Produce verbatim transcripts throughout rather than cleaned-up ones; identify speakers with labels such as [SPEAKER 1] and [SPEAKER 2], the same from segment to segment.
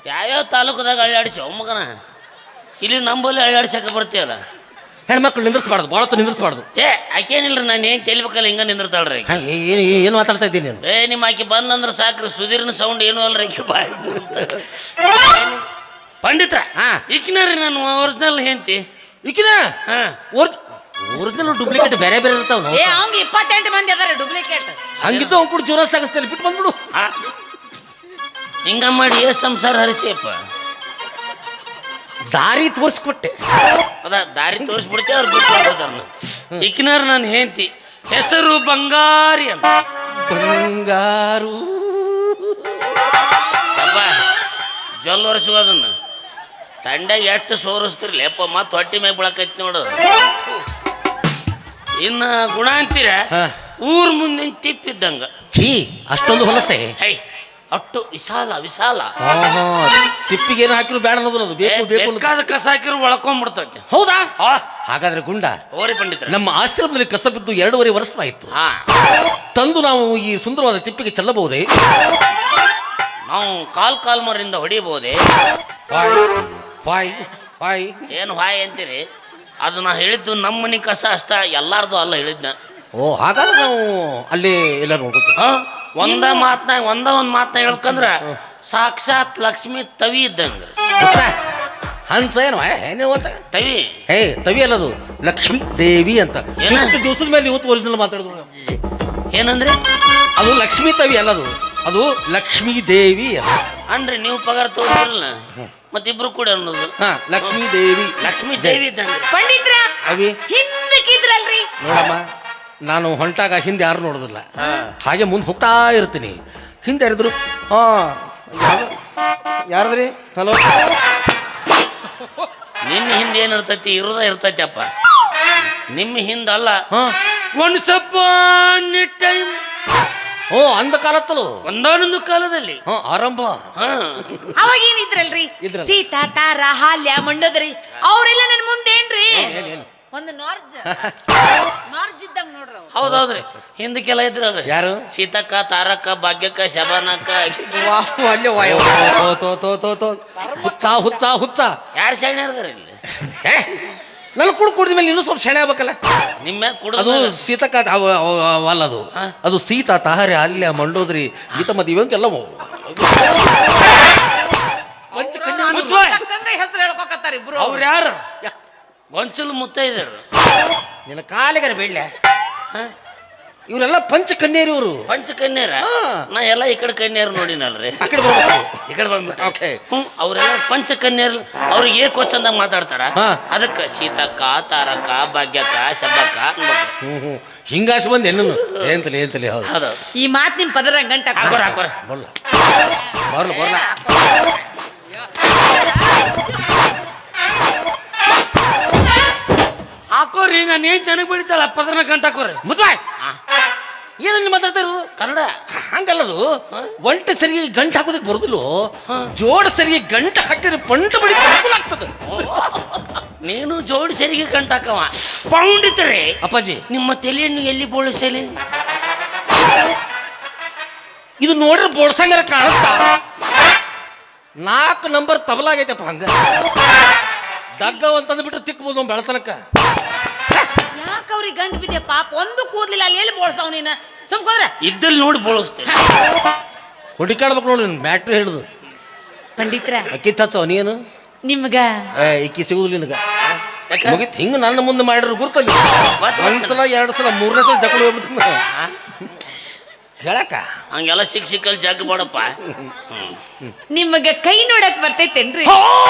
[SPEAKER 1] ಯಾವ್ಯಾವ ತಾಲೂಕದಾಗ ಅಳ್ಳಾಡಿಸಿ ಮಗನ ಇಲ್ಲಿ ನಂಬಲ್ಲಿ ಅಳ್ಳಾಡ್ಸಕ್ಕೆ ಬರ್ತೀಯಲ್ಲ.
[SPEAKER 2] ಹೆಣ್ಮಕ್ಳು ನಿಂದ್ರಿಸ್ಬಾರ್ದು, ಭಾಳ ಹೊತ್ತು ನಿಂದ್ರಿಸ್ಬಾರ್ದು.
[SPEAKER 1] ಏ ಆಕೇನಿಲ್ರಿ, ನಾನು ಏನು ತೆಲಿಬೇಕಲ್ಲ ಹಿಂಗ ನಿಂದಿರ್ತಾಳ್ರಿ.
[SPEAKER 2] ಏನು ಏನು ಮಾತಾಡ್ತಾ ಇದ್ದೀನಿ ನೀನು?
[SPEAKER 1] ಏ ನಿಮ್ಮ ಆಕೆ ಬಂದಂದ್ರೆ ಸಾಕ್ರಿ, ಸುಧೀರ್ನ ಸೌಂಡ್ ಏನೂ ಅಲ್ರಿ ಆಕೆ ಬಾಯಿ ಪಂಡಿತ್ರ.
[SPEAKER 2] ಹಾ
[SPEAKER 1] ಈಕಿನಾರಿ ನಾನು ಒರಿಜಿನಲ್ ಹೆಂತಿ
[SPEAKER 2] ಈಕಿನ
[SPEAKER 1] ಹಾ
[SPEAKER 2] ಒರಿಜಿನಲ್ ಡೂಪ್ಲಿಕೇಟ್ ಬೇರೆ ಬೇರೆ ಇರ್ತಾವ.
[SPEAKER 3] ಏ ಅವ್ನ್ ಇಪ್ಪತ್ತೆಂಟು ಮಂದಿ ಅದಾರ ಡೂಪ್ಲಿಕೇಟ್.
[SPEAKER 2] ಹಂಗಿದ್ದು ಅವ್ನು ಕೂಡ ಜೋರ ಸಾಗಿಸ್ತೇನೆ, ಬಿಟ್ಟು ಬಂದ್ಬಿಡು.
[SPEAKER 1] ಹಿಂಗ ಮಾಡಿ ಏ ಸಂಸಾರ ಹರಿಸಿಯಪ್ಪ.
[SPEAKER 2] ದಾರಿ ತೋರಿಸ್ಕೊಟ್ಟೆ,
[SPEAKER 1] ಅದ ದಾರಿ ತೋರಿಸ್ಬಿಡ್ತೇವೆ, ಅವ್ರು ಬಿಟ್ಟು ಹೋಗೋದನ್ನ. ಈಕಿನಾರ ನಾನು ಹೆಂತಿ, ಹೆಸರು ಬಂಗಾರಿ ಅಂತ.
[SPEAKER 2] ಬಂಗಾರು
[SPEAKER 1] ಅಪ್ಪ ಜೊಲ್ ಒರೆಸುವುದನ್ನ ತಂಡ್ಯಾಗ ಎಷ್ಟು ಸೋರಿಸ್ತಿರ್ಲಿ ಅಪ್ಪ, ಮತ್ತೆ ಹೊಟ್ಟಿ ಮ್ಯಾಗ ಬಿಳಕೈತಿ ನೋಡೋದು. ಇನ್ನ ಗುಣ ಅಂತೀರ ಊರ್ ಮುಂದಿನ ತಿಪ್ಪಿದ್ದಂಗ.
[SPEAKER 2] ಛೀ ಅಷ್ಟೊಂದು ಹೊಲಸೆ.
[SPEAKER 1] ಹೈ ಅಟ್ಟು ವಿಶಾಲ ವಿಶಾಲ.
[SPEAKER 2] ತಿಪ್ಪಿಗೆ ಏನು ಹಾಕಿದ್ರು ಬೇಡ ಅನ್ನೋದು, ಅದು ಬೇಕು ಬೇಕು
[SPEAKER 1] ಬೇಕಾದ ಕಸ ಹಾಕಿರು ಒಳ್ಕೊಂಡ್ಬಿಡ್ತೈತೆ.
[SPEAKER 2] ಹೌದಾ? ಹಾಗಾದ್ರೆ ಗುಂಡ
[SPEAKER 1] ಓರಿ ಪಂಡಿತ,
[SPEAKER 2] ನಮ್ಮ ಆಶ್ರಮದಲ್ಲಿ ಕಸ ಬಿದ್ದು ಎರಡೂವರೆ ವರ್ಷವಾಯಿತು.
[SPEAKER 1] ಹಾ
[SPEAKER 2] ತಂದು ನಾವು ಈ ಸುಂದರವಾದ ತಿಪ್ಪಿಗೆ ಚೆಲ್ಲಬಹುದೇ?
[SPEAKER 1] ನಾವು ಕಾಲ್ ಕಾಲ್ ಮರಿಂದ ಹೊಡಿಬಹುದೇ?
[SPEAKER 2] ಹಾಯ್ ಹಾಯ್
[SPEAKER 1] ಏನು ಹಾಯ್ ಅಂತೀರಿ? ಅದು ನಾ ಹೇಳಿದ್ದು ನಮ್ಮ ಮನೆ ಕಸ ಅಷ್ಟ, ಎಲ್ಲಾರ್ದು ಅಲ್ಲ ಹೇಳಿದ್ನ.
[SPEAKER 2] ಓ ಹಾಗಾದ್ರೆ ನಾವು ಅಲ್ಲಿ ಎಲ್ಲ ನೋಡ್ಬೇಕು.
[SPEAKER 1] ಹಾ ಒಂದ ಮಾತ್ನಾಗ ಒಂದ ಒಂದ್ ಮಾತನಾಗ ಹೇಳ್ಕಂದ್ರ ಸಾಕ್ಷಾತ್ ಲಕ್ಷ್ಮಿ ತವಿ ಇದ್ದಂಗ.
[SPEAKER 2] ಹನ್ಸ ಏನು ಏನು ಅಂತ
[SPEAKER 1] ತವಿ?
[SPEAKER 2] ಹೇ ತವಿ ಅಲ್ಲದು, ಲಕ್ಷ್ಮೀ ದೇವಿ ಅಂತ. ಎಷ್ಟು ದಿವಸದ ಮೇಲೆ ಇವತ್ತು ಒರಿಜಿನಲ್ ಮಾತಾಡಿದ್ರು.
[SPEAKER 1] ಏನಂದ್ರೆ
[SPEAKER 2] ಅದು ಲಕ್ಷ್ಮೀ ತವಿ ಅಲ್ಲದು, ಅದು ಲಕ್ಷ್ಮೀ ದೇವಿ
[SPEAKER 1] ಅನ್ರಿ. ನೀವು ಪಗಾರ ತೋರಿರಲ್ಲ ಮತ್ತಿಬ್ರು ಕೂಡ ಅನ್ನೋದು.
[SPEAKER 2] ಹಾ ಲಕ್ಷ್ಮೀ ದೇವಿ,
[SPEAKER 1] ಲಕ್ಷ್ಮೀ ದೇವಿ ಇದ್ದಂಗ.
[SPEAKER 3] ಪಂಡಿತ್ರ
[SPEAKER 2] ಅವಿ
[SPEAKER 3] ಹಿಂದಕ್ಕಿದ್ರಲ್ರಿ.
[SPEAKER 2] ನೋಡಮ್ಮ, ನಾನು ಹೊಂಟಾಗ ಹಿಂದೆ ಯಾರು ನೋಡೋದಿಲ್ಲ, ಹಾಗೆ ಮುಂದೆ ಹೋಗ್ತಾ ಇರ್ತೀನಿ. ಹಿಂದೆ ಯಾರಿದ್ರು? ಹಾ ಯಾರದ್ರಿ? ಹಲೋ.
[SPEAKER 1] ನಿನ್ನ ಹಿಂದೆ ಏನ್ ಇರ್ತೈತಿ? ಇರೋದ ಇರ್ತೈತಿ ಅಪ್ಪ. ನಿಮ್ಮ ಹಿಂದಲ್ಲ.
[SPEAKER 2] ಹಾ
[SPEAKER 1] ಒಂದು ಸ್ವಲ್ಪ ಟೈಮ್.
[SPEAKER 2] ಓ ಅಂದ ಕಾಲತ್ತಲು,
[SPEAKER 1] ಒಂದಾನೊಂದು ಕಾಲದಲ್ಲಿ.
[SPEAKER 2] ಹಾ ಆರಂಭ.
[SPEAKER 1] ಹಾ
[SPEAKER 3] ಅವಾಗ ಏನಿದ್ರಲ್ರಿ? ಸೀತಾ, ತಾರ, ಹಾಲ್ಯ, ಮಂಡೋದರಿ ಅವ್ರೆಲ್ಲ ನನ್ ಮುಂದೇನ್ರಿ? ಒಂದು ನಾರ್ಜ್ ನಾರ್ಜ್ ಇದ್ದಂಗ ನೋಡ್ರಿ.
[SPEAKER 1] ಹೌದೌದ್ರಿ, ಹಿಂದಕ್ಕೆಲ್ಲ ಇದ್ರಲ್ರಿ.
[SPEAKER 2] ಯಾರು?
[SPEAKER 1] ಸೀತಕ್ಕ, ತಾರಕ್ಕ, ಭಾಗ್ಯಕ್ಕ, ಶಬಾನಕ್ಕ.
[SPEAKER 2] ಹುಚ್ಚ ಹುಚ್ಚ ಹುಚ್ಚ
[SPEAKER 1] ಯಾರು ಶಾಣೆ ಇರ್ದಾರ ಇಲ್ಲಿ?
[SPEAKER 2] ನಾನು ಕುಡ್ ಕುಡಿದ ಮೇಲೆ ಇನ್ನೂ ಸ್ವಲ್ಪ ಶೆಣೆ ಆಗ್ಬೇಕಲ್ಲ.
[SPEAKER 1] ನಿಮ್ಮ
[SPEAKER 2] ಅದು ಸೀತಕ್ಕ ಅಲ್ಲದು, ಅದು ಸೀತಾ, ತಾಹರೆ, ಅಲ್ಯ, ಮಂಡೋದ್ರಿ, ಗೀತ ಮದುವೆ ಅಂತೆಲ್ಲ
[SPEAKER 3] ಹೆಸರು ಹೇಳ್ಕೊಕತ್ತಾರ ಇಬ್ರು.
[SPEAKER 1] ಅವ್ರು ಯಾರು? ಗೊಂಚಲು ಮುತ್ತೈದರು.
[SPEAKER 2] ನಿನ್ನ ಕಾಲಿಗರ ಬೇಡ್ಲೆ. ಇವರೆಲ್ಲ ಪಂಚ ಕನ್ಯರು. ಇವರು
[SPEAKER 1] ಪಂಚ ಕನ್ಯರ? ನಾ ಎಲ್ಲ ಈ ಕಡೆ ಕನ್ಯರು ನೋಡಿನಲ್ರಿ.
[SPEAKER 2] ಆ ಕಡೆ ಬರ್ಬೇಕು,
[SPEAKER 1] ಈ ಕಡೆ ಬಂದ್ಬಿಟ್ಟು. ಹ್ಮ್ ಅವರೆಲ್ಲ ಪಂಚ ಕನ್ಯರ್. ಅವ್ರಿಗೆ ಏಕೋ ಚಂದಾಗ ಮಾತಾಡ್ತಾರ. ಅದಕ್ಕ ಸೀತಕ್ಕ, ತಾರಕ್ಕ, ಭಾಗ್ಯಕ್ಕ, ಶಬ್ಬಕ್ಕ ಅನ್ಬೇಕು.
[SPEAKER 2] ಹ್ಮ್ ಹ್ಮ್ ಹಿಂಗಾಸಿ ಬಂದು ಎಲ್ಲೂ ಏಂತಲಿ ಏಂತಲಿ. ಹೌದು
[SPEAKER 1] ಹೌದು.
[SPEAKER 3] ಈ ಮಾತ್ ನಿಮ್ ಪದರ ಗಂಟ
[SPEAKER 1] ಹಾಕೋರ ಹಾಕೋರ
[SPEAKER 2] ಬರ್ಲ ಬರ್ಲ ಬರ್ಲ.
[SPEAKER 1] ಹಾಕೋರಿ. ನಾನು ಏನ್ ನನಗೆ ಬಿಡ್ತಾಳ ಪದನ ಗಂಟ ಹಾಕೋರಿ.
[SPEAKER 2] ಮುದ್ವಾಯ್ ಏನಲ್ಲಿ ಮಾತಾಡ್ತಾ ಇರೋದು?
[SPEAKER 1] ಕನ್ನಡ
[SPEAKER 2] ಹಂಗಲ್ಲದು. ಒಂಟೆ ಸರಿಗೆ ಗಂಟು ಹಾಕೋದಕ್ಕೆ ಬರುದಿಲ್ಲ, ಜೋಡ ಸರಿಗೆ ಗಂಟು ಹಾಕಿದ್ರೆ ಪಂಟ ಬಡಿ ಆಗ್ತದೆ.
[SPEAKER 1] ನೀನು ಜೋಡಿ ಸರಿಗೆ ಗಂಟು ಹಾಕವ ಪೌಂಡಿತರೆ.
[SPEAKER 2] ಅಪ್ಪಾಜಿ
[SPEAKER 1] ನಿಮ್ಮ ತಲೆಯನ್ನು ಎಲ್ಲಿ ಬೋಳಿಸಲಿ?
[SPEAKER 2] ಇದು ನೋಡ್ರೆ ಬೋಳ್ಸಂಗಾರ ಕಾಣುತ್ತಾ? ನಾಲ್ಕು ನಂಬರ್ ತಬಲಾಗೈತಪ್ಪ. ಹಂಗ ದಗ್ಗವ ಅಂತಂದು ಬಿಟ್ರೆ ತಿಕ್ಬೋದು ಬೆಳತನಕ.
[SPEAKER 3] ಯಾಕೆ ಅವ್ರಿಗೆ ಗಂಟು ಬಿದ್ದೆ ಪಾಪ? ಒಂದು ಕೂದ್ಲಿಲ್ಲ, ಅಲ್ಲಿ ಎಲ್ಲಿ ಬೋಳ್ಸಾವ್ ನೀನು? ಸುಮ್ಕೋದ್ರ
[SPEAKER 1] ಇದ್ದಲ್ಲಿ ನೋಡಿ ಬೋಳಿಸ್ತೇನೆ.
[SPEAKER 2] ಹುಡುಕಾಡ್ಬೇಕು ನೋಡಿ ಬ್ಯಾಟ್ರಿ ಹಿಡಿದು.
[SPEAKER 3] ಪಂಡಿತ್ರ
[SPEAKER 2] ಅಕ್ಕಿ ಹಚ್ಚವ ನೀನು
[SPEAKER 3] ನಿಮ್ಗ
[SPEAKER 2] ಏ ಇಕ್ಕಿ ಸಿಗುದಿಲ್ಲ ನಿನಗ. ಮುಗಿತ್ ಹಿಂಗ ನನ್ನ ಮುಂದೆ ಮಾಡಿದ್ರು ಗುರ್ತಲ್ಲಿ. ಒಂದ್ಸಲ ಎರಡು ಸಲ ಮೂರನೇ ಸಲ ಜಗಳ ಹೋಗ್ಬಿಡ್ತೀನಿ ಹೇಳಕ್ಕ.
[SPEAKER 1] ಹಂಗೆಲ್ಲ ಸಿಕ್ ಸಿಕ್ಕಲ್ಲಿ ಜಗ್ ಮಾಡಪ್ಪ.
[SPEAKER 3] ನಿಮಗ ಕೈ ನೋಡಕ್ ಬರ್ತೈತೇನ್ರಿ?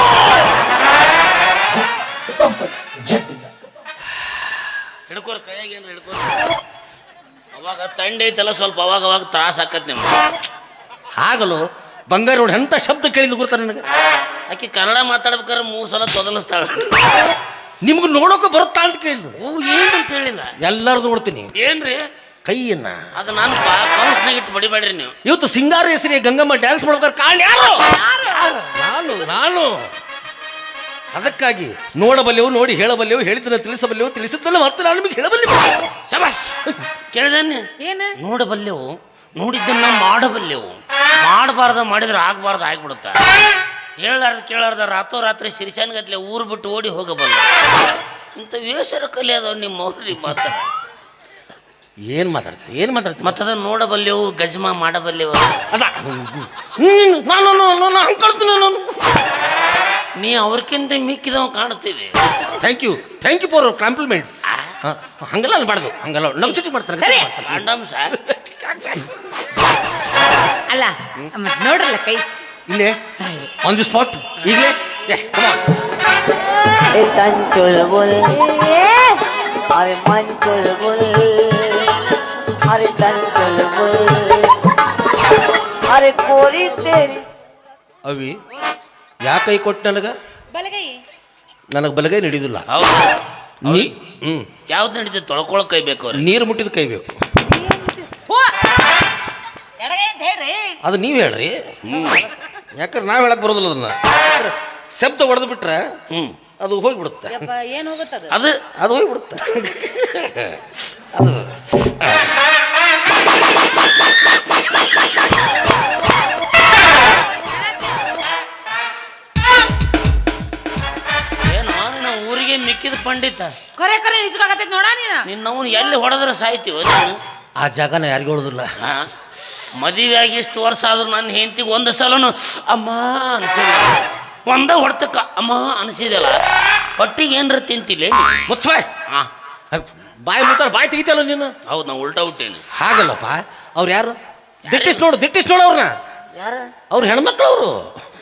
[SPEAKER 1] ಹಿಡ್ಕೋರ್ ಕೈಯಾಗ ಏನ್ರ ಹಿಡ್ಕೋ. ಅವಾಗ ತಂಡ ಐತಲ್ಲ ಸ್ವಲ್ಪ ಅವಾಗ ಅವಾಗ ತ್ರಾಸ ಆಕತ್ ನಿಮ್ಗೆ.
[SPEAKER 2] ಆಗಲು ಬಂಗಾರ ನೋಡಿ ಎಂತ ಶಬ್ದ ಕೇಳಿದ್ ಗುರ್ತ ನನಗೆ.
[SPEAKER 1] ಆಕಿ ಕನ್ನಡ ಮಾತಾಡ್ಬೇಕಾದ್ರೆ ಮೂರು ಸಲ ತೊದಲಿಸ್ತಾಳ.
[SPEAKER 2] ನಿಮ್ಗೆ ನೋಡೋಕೆ ಬರುತ್ತಾ ಅಂತ ಕೇಳಿದ್ರು.
[SPEAKER 1] ಓ ಏನಂತ ಹೇಳಿಲ್ಲ.
[SPEAKER 2] ಎಲ್ಲಾರು ನೋಡ್ತೀನಿ.
[SPEAKER 1] ಏನ್ರಿ?
[SPEAKER 2] ಕೈಯನ್ನ
[SPEAKER 1] ಅದು ನಾನು ಕೌನ್ಸ್ನಾಗ ಇಟ್ಟು ಬಡಿಬೇಡ್ರಿ ನೀವು.
[SPEAKER 2] ಇವತ್ತು ಸಿಂಗಾರ ಹೆಸರಿಗೆ ಗಂಗಮ್ಮ ಡ್ಯಾನ್ಸ್ ಮಾಡ್ಬೇಕಾದ್ರೆ ಕಾರಣ ಯಾರು? ನಾನು ನಾನು ಅದಕ್ಕಾಗಿ ನೋಡಬಲ್ಲೆವು, ನೋಡಿ ಹೇಳಬಲ್ಲೆವು, ಹೇಳಿದ್ದನ್ನ ತಿಳಿಸಬಲ್ಲೆವು, ತಿಳಿಸಿದ್ದನ್ನ ಮತ್ತೆ ನಾನು ನಿಮಗೆ ಹೇಳಬಲ್ಲೆವು.
[SPEAKER 1] ಶಬಾಷ್. ಕೇಳಿದನ್ನೇ
[SPEAKER 3] ಏನ?
[SPEAKER 1] ನೋಡಬಲ್ಲೆವು, ನೋಡಿದ್ದನ್ನ ಮಾಡಬಲ್ಲೆವು. ಮಾಡಬಾರ್ದ ಮಾಡಿದ್ರೆ ಆಗ್ಬಾರ್ದು ಆಗ್ಬಿಡುತ್ತ. ಹೇಳಾರ್ದ ಕೇಳಾರ್ದ ರಾತ್ರೋರಾತ್ರಿ ಸಿರಿಸಾನ್ಗತ್ಲೆ ಊರು ಬಿಟ್ಟು ಓಡಿ ಹೋಗಬಲ್ಲ ಇಂಥ ವೇಷರ ಕಲೆ ಅದಾವ ನಿಮ್ಮ ಅವ್ರಿ ಮಾತಾಡ
[SPEAKER 2] ಏನ್ ಮಾತಾಡ್ತೀನಿ ಏನ್ ಮಾತಾಡ್ತೀನಿ
[SPEAKER 1] ಮತ್ತದ ನೋಡಬಲ್ಲೆವು ಗಜ್ಮ ಮಾಡಬಲ್ಲೆವು
[SPEAKER 2] ಅದ ನಾನು ನಾನು ಅನ್ಕೊಳ್ತೀನಿ ನಾನು
[SPEAKER 1] ನೀ ಅವ್ರಕ್ಕಿಂತ ಮಿಕ್ಕಿದವ ಕಾಣ್ತಿದೆ.
[SPEAKER 2] Thank you thank you for compliments. ಹಂಗೆಲ್ಲ ಅನ್ಬಾರ್ದು, ಹಂಗೆಲ್ಲ ನಗ್ಚುಟಿ ಮಾಡ್ತಾರೆ
[SPEAKER 3] ಸರಿ.
[SPEAKER 1] ಕಾಂಡಮ್ಸ
[SPEAKER 3] ಅಲ್ಲ ಮತ್ ನೋಡ್ರಲ್ಲ ಕೈ
[SPEAKER 2] ಇಲ್ಲೇ ಆನ್ ದಿ ಸ್ಪಾಟ್ ಈಗಲೇ. Yes come on.
[SPEAKER 4] এ তান চুলবুল আরে মান চুলবুল আরে তান চুলবুল আরে কোরি তেরি
[SPEAKER 2] ಅವಿ ಯಾಕೆ ಕೈ ಕೊಟ್ಟು ನನಗ?
[SPEAKER 3] ಬಲಗೈ
[SPEAKER 2] ನನಗೆ ಬಲಗೈ ನಡೆಯುದಿಲ್ಲ.
[SPEAKER 1] ಹೌದು
[SPEAKER 2] ನೀ ಹ್ಮ್
[SPEAKER 1] ಯಾವ್ದು ನಡೀತದೆ ತೊಳ್ಕೊಳಕ್ ಕೈ ಬೇಕು ಅವ್ರಿಗೆ.
[SPEAKER 2] ನೀರು ಮುಟ್ಟಿದ ಕೈ ಬೇಕು.
[SPEAKER 3] ಎಡಗೈ ಅಂತ ಹೇಳ್ರಿ.
[SPEAKER 2] ಅದು ನೀವು ಹೇಳ್ರಿ. ಯಾಕಂದ್ರೆ ನಾವು ಹೇಳಕ್ ಬರೋದಿಲ್ಲ ಅದನ್ನ. ಶಬ್ದ ಹೊಡೆದು ಬಿಟ್ರೆ
[SPEAKER 1] ಹ್ಮ್
[SPEAKER 2] ಅದು ಹೋಗ್ಬಿಡುತ್ತೆ.
[SPEAKER 3] ಯಪ್ಪ ಏನ್ ಹೋಗುತ್ತದ
[SPEAKER 1] ಅದು
[SPEAKER 2] ಅದು ಹೋಗ್ಬಿಡುತ್ತೆ ಅದು
[SPEAKER 1] ಏನು ನಾವು ಊರಿಗೆ ಮಿಕ್ಕಿದ ಪಂಡಿತ
[SPEAKER 3] ಕೊರೆ ಕೊರೆ ಹಿಸ್ಕಾಗತ್ತೈತಿ ನೋಡ ನೀನ.
[SPEAKER 1] ನಿನ್ನವನು ಎಲ್ಲಿ ಹೊಡೆದ್ರೆ ಸಾಯ್ತೀವ ನೀನು.
[SPEAKER 2] ಆ ಜಾಗನ ಯಾರಿಗೂ ಹೇಳೋದಿಲ್ಲ.
[SPEAKER 1] ಹಾ ಮದುವೆ ಆಗಿ ಇಷ್ಟು ವರ್ಷ ಆದ್ರೂ ನನ್ನ ಹೆಂಡತಿಗೆ ಒಂದು ಸಲನು ಅಮ್ಮ ಅನಿಸಿಲ್ಲ. ಒಂದ ಹೊಡ್ತಕ್ಕ ಅಮ್ಮ ಅನಿಸಿದಲ್ಲ. ಹೊಟ್ಟಿಗೆ ಏನ್ರ ತಿಂತಿಲ್ಲ
[SPEAKER 2] ಮುಚ್ಚಾಯ್.
[SPEAKER 1] ಹಾ
[SPEAKER 2] ಬಾಯಿ ಮುತ್ತಾರ ಬಾಯಿ ತೆಗಿತಲ್ಲ ನೀನು.
[SPEAKER 1] ಹೌದು ನಾವು ಉಲ್ಟಾ ಹುಟ್ಟೇನೆ.
[SPEAKER 2] ಹಾಗಲ್ಲಪ್ಪ. ಅವ್ರು ಯಾರು? ದಿಟ್ಟಿಸ್ ನೋಡು ದಿಟ್ಟಿಸ್ ನೋಡು ಅವ್ರನ್ನ.
[SPEAKER 1] ಯಾರ
[SPEAKER 2] ಅವ್ರು ಹೆಣ್ಮಕ್ಳು ಅವರು.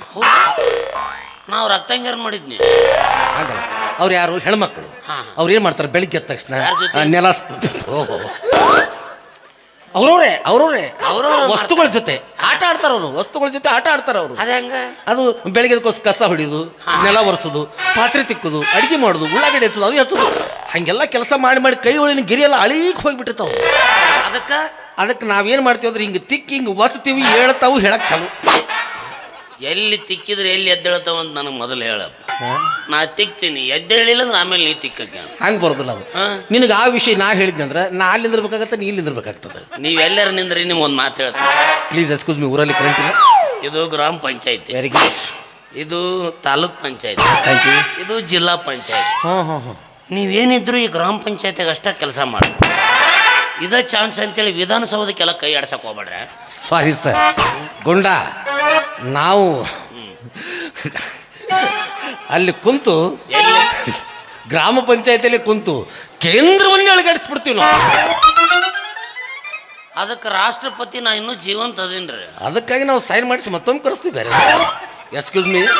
[SPEAKER 1] ನಾವು ರಕ್ತಾಂಗರ್ ಮಾಡಿದ್ನಿ.
[SPEAKER 2] ಹಾಗಲ್ಲ, ಅವ್ರು ಯಾರು? ಹೆಣ್ಮಕ್ಳು.
[SPEAKER 1] ಹಾ.
[SPEAKER 2] ಅವ್ರು ಏನ್ ಮಾಡ್ತಾರೆ ಬೆಳಿಗ್ಗೆ ಎದ್ದ ತಕ್ಷಣ
[SPEAKER 1] ಯಾರ್ ಜೊತೆ?
[SPEAKER 2] ಆ, ನೆಲ ಓಹೋ ಅವ್ರವ್ರೆ ಅವ್ರವ್ರೆ
[SPEAKER 1] ಅವ್ರವ್ರೆ
[SPEAKER 2] ವಸ್ತುಗಳ ಜೊತೆ ಆಟ ಆಡ್ತಾರ ಅವರು. ವಸ್ತುಗಳ ಜೊತೆ ಆಟ ಆಡ್ತಾರ ಅವರು.
[SPEAKER 1] ಅದ ಹೆಂಗ?
[SPEAKER 2] ಅದು ಬೆಳಗ್ಗೆ ಎದ್ಕೋಸ್ ಕಸ ಹೊಡಿಯೋದು, ನೆಲ ಒರೆಸೋದು, ಪಾತ್ರೆ ತಿಕ್ಕೋದು, ಅಡಿಗೆ ಮಾಡೋದು, ಉಳ್ಳಾಗಡ್ಡೆ ಹಚ್ಚೋದು, ಅದು ಹಚ್ಚೋದು, ಹಂಗೆಲ್ಲ ಕೆಲಸ ಮಾಡಿ ಮಾಡಿ ಕೈ ಒಳಗಿನ ಗಿರಿಯೆಲ್ಲ ಅಳೀಕ್ ಹೋಗ್ಬಿಟ್ಟಿರ್ತಾವ.
[SPEAKER 1] ಅದಕ್ಕ
[SPEAKER 2] ಅದಕ್ಕೆ ನಾವೇನ್ ಮಾಡ್ತೀವಿ ಅಂದ್ರೆ ಹಿಂಗೆ ತಿಕ್ಕಿ ಹಿಂಗೆ ಒತ್ತೀವಿ, ಹೇಳ್ತಾವು ಹೇಳಕ್ ಚಾಲು.
[SPEAKER 1] ಎಲ್ಲಿ ತಿಕ್ಕಿದ್ರೆ ಎಲ್ಲಿ ಎದ್ದೇಳ್ತಾವ ಅಂತ ನನಗೆ ಮೊದಲು ಹೇಳಪ್ಪ. ನಾ ತಿಕ್ತೀನಿ, ಎದ್ದೇಳಿಲ್ಲ ಅಂದ್ರೆ ಆಮೇಲೆ ನೀ ತಿಕ್ಕಕ್ಕೆ.
[SPEAKER 2] ಹಂಗೆ ಬರೋದಿಲ್ಲ ಅದು.
[SPEAKER 1] ಹಾ
[SPEAKER 2] ನಿನಗೆ ಆ ವಿಷಯ ನಾ ಹೇಳಿದ್ನಿ ಅಂದ್ರೆ ನಾ ಅಲ್ಲಿ ನಿಂದಿರ್ಬೇಕಾಗತ್ತೆ, ನೀ ಇಲ್ಲಿ ನಿಂದಿರ್ಬೇಕಾಗ್ತದೆ.
[SPEAKER 1] ನೀವೆಲ್ಲರ ನಿಂದ್ರಿ ನಿಮ್ಗೆ ಒಂದು ಮಾತು ಹೇಳ್ತೀನಿ.
[SPEAKER 2] Please excuse me. ಊರಲ್ಲಿ ಕರೆಂಟ್ ಇಲ್ಲ.
[SPEAKER 1] ಇದು ಗ್ರಾಮ ಪಂಚಾಯತಿ,
[SPEAKER 2] ವೆರಿ ಗುಡ್,
[SPEAKER 1] ಇದು ತಾಲೂಕ್ ಪಂಚಾಯತಿ,
[SPEAKER 2] ಥ್ಯಾಂಕ್ ಯು.
[SPEAKER 1] ಇದು ಜಿಲ್ಲಾ ಪಂಚಾಯತಿ.
[SPEAKER 2] ಹಾಂ ಹಾಂ ಹಾಂ
[SPEAKER 1] ನೀವೇನಿದ್ರು ಈ ಗ್ರಾಮ ಪಂಚಾಯತಿಗೆ ಅಷ್ಟೇ ಕೆಲಸ ಮಾಡಿ. ಇದ ಚಾನ್ಸ್ ಅಂತೇಳಿ ವಿಧಾನಸೌಧಕ್ಕೆಲ್ಲ ಕೈ ಆಡ್ಸಕ್ ಹೋಗ್ಬೇಡ್ರೆ.
[SPEAKER 2] Sorry sir. ಗುಂಡ ನಾವು ಅಲ್ಲಿ ಕುಂತು
[SPEAKER 1] ಎಲ್ಲಿ
[SPEAKER 2] ಗ್ರಾಮ ಪಂಚಾಯತಿಯಲ್ಲಿ ಕುಂತು ಕೇಂದ್ರವನ್ನೇ ಅಳಗಾಡಿಸ್ಬಿಡ್ತೀವಿ ನಾವು.
[SPEAKER 1] ಅದಕ್ಕೆ ರಾಷ್ಟ್ರಪತಿ ನಾ ಇನ್ನೂ ಜೀವಂತ ಅದೇನ್ರಿ.
[SPEAKER 2] ಅದಕ್ಕಾಗಿ ನಾವು ಸೈನ್ ಮಾಡಿಸಿ ಮತ್ತೊಮ್ಮೆ ಕರೆಸ್ತೀವಿ ಬೇರೆ. Excuse me.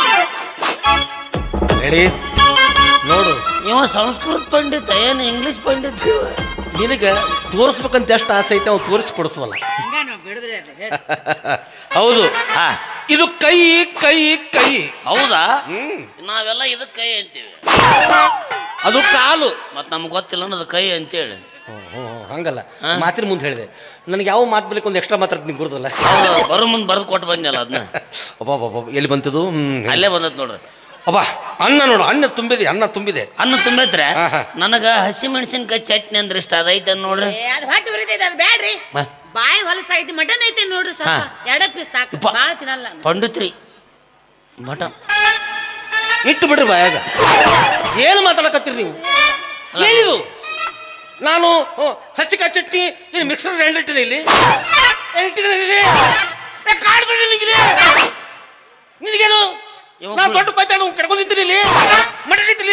[SPEAKER 2] ರೆಡಿ ನೋಡು.
[SPEAKER 1] ಇವ ಸಂಸ್ಕೃತ ಪಂಡಿತ ಏನು ಇಂಗ್ಲಿಷ್ ಪಂಡಿತ?
[SPEAKER 2] ನಿನಗೆ ತೋರಿಸ್ಬೇಕಂತ ಎಷ್ಟು ಆಸೆ ಐತೆ ಅವ್ನು ತೋರಿಸಿ ಕೊಡಿಸ್ವಲ್ಲ.
[SPEAKER 3] ಹಂಗ ನಾವು ಬಿಡುದ್ರಿ ಅದು ಹೇಳಿ.
[SPEAKER 2] ಹೌದು.
[SPEAKER 1] ಹಾ
[SPEAKER 2] ಇದು ಕೈ ಕೈ ಕೈ.
[SPEAKER 1] ಹೌದಾ?
[SPEAKER 2] ಹ್ಮ್
[SPEAKER 1] ನಾವೆಲ್ಲ ಇದಕ್ಕೆ ಕೈ ಅಂತೀವಿ.
[SPEAKER 2] ಅದು ಕಾಲು.
[SPEAKER 1] ಮತ್ ನಮ್ಗೆ ಗೊತ್ತಿಲ್ಲ ಅನ್ನೋದು ಕೈ ಅಂತೇಳಿ.
[SPEAKER 2] ಹ್ಮ್, ಹ್ಮ್, ಹ್ಮ್, ಹಂಗಲ್ಲ.
[SPEAKER 1] ಹಾ?
[SPEAKER 2] ಮಾತಿನ ಮುಂದೆ ಹೇಳಿದೆ. ನನಗೆ ಯಾವ ಮಾತು ಬೇಕು ಒಂದು ಎಕ್ಸ್ಟ್ರಾ ಮಾತಾಡ್ತೀನಿ ಗುರುದಲ್ಲ.
[SPEAKER 1] ಹೌದು, ಬರೋ ಮುಂದೆ ಬರೆದು ಕೊಟ್ಟು ಬಂದ್ನಲ್ಲ ಅದನ್ನ.
[SPEAKER 2] ಒಬ್ಬ ಒಬ್ಬ ಎಲ್ಲಿ ಬಂತದು? ಹ್ಮ್
[SPEAKER 1] ಅಲ್ಲೇ ಬಂದತ್ ನೋಡ್ರಿ.
[SPEAKER 2] ಅಬ್ಬಾ ಅನ್ನ ನೋಡು, ಅನ್ನ ತುಂಬಿದೆ, ಅನ್ನ ತುಂಬಿದೆ.
[SPEAKER 1] ಅನ್ನ ತುಂಬೈತ್ರೆ.
[SPEAKER 2] ಹಾ, ಹಾ.
[SPEAKER 1] ನನಗ ಹಸಿ ಮೆಣಸಿನ್ಕಾಯಿ ಚಟ್ನಿ ಅಂದ್ರೆ ಇಷ್ಟ. ಅದೈತೆ ನೋಡ್ರಿ.
[SPEAKER 3] ಏ, ಅದು ಹೊಟ್ಟೆ ಉರಿತೈತೆ ಅದು ಬ್ಯಾಡ್ರಿ.
[SPEAKER 2] ಹಾ.
[SPEAKER 3] ಬಾಯಿ ಹೊಲಸೈತಿ. ಮಟನ್ ಐತಿ ನೋಡ್ರಿ ಸ್ವಲ್ಪ.
[SPEAKER 1] ಹಾ.
[SPEAKER 3] ಎರಡ ಪೀಸ್ ಸಾಕು,
[SPEAKER 1] ಉಪ್ಪ.
[SPEAKER 3] ಬಾಳ ತಿನ್ನಲ್ಲ ನಾನು.
[SPEAKER 1] ಪಂಡಿತ್ರಿ ಮಟ
[SPEAKER 2] ಇಟ್ಟು ಬಿಡ್ರಿ ಬಾಯಾಗ. ಏನು ಮಾತಾಡಕತ್ತೀರಿ ನೀವು? ಏನಿದು? ನಾನು ಹಚ್ಚಿಕಾಯಿ ಚಟ್ನಿ ಇದು ಮಿಕ್ಸರ್ ಗ್ರೈಂಡರ್ ಇಟ್ಟಿದೆ ಇಲ್ಲಿ. ಇಟ್ಟಿದ್ದೀನಿ ಇಲ್ಲಿ. ಏ, ಕಾಡ್ಬೇಡಿ ನಿನಗಿದೆ. ನಿನಗೇನು?
[SPEAKER 1] ಇವ
[SPEAKER 2] ನಾನು ದೊಡ್ಡ ಪಾಯ್ತಾಡು ಕಡ್ಕೊಂಡು ನಿಂತೀನಿ ಇಲ್ಲಿ. ಮಟನ್ ಇಟ್ಟಿಲಿ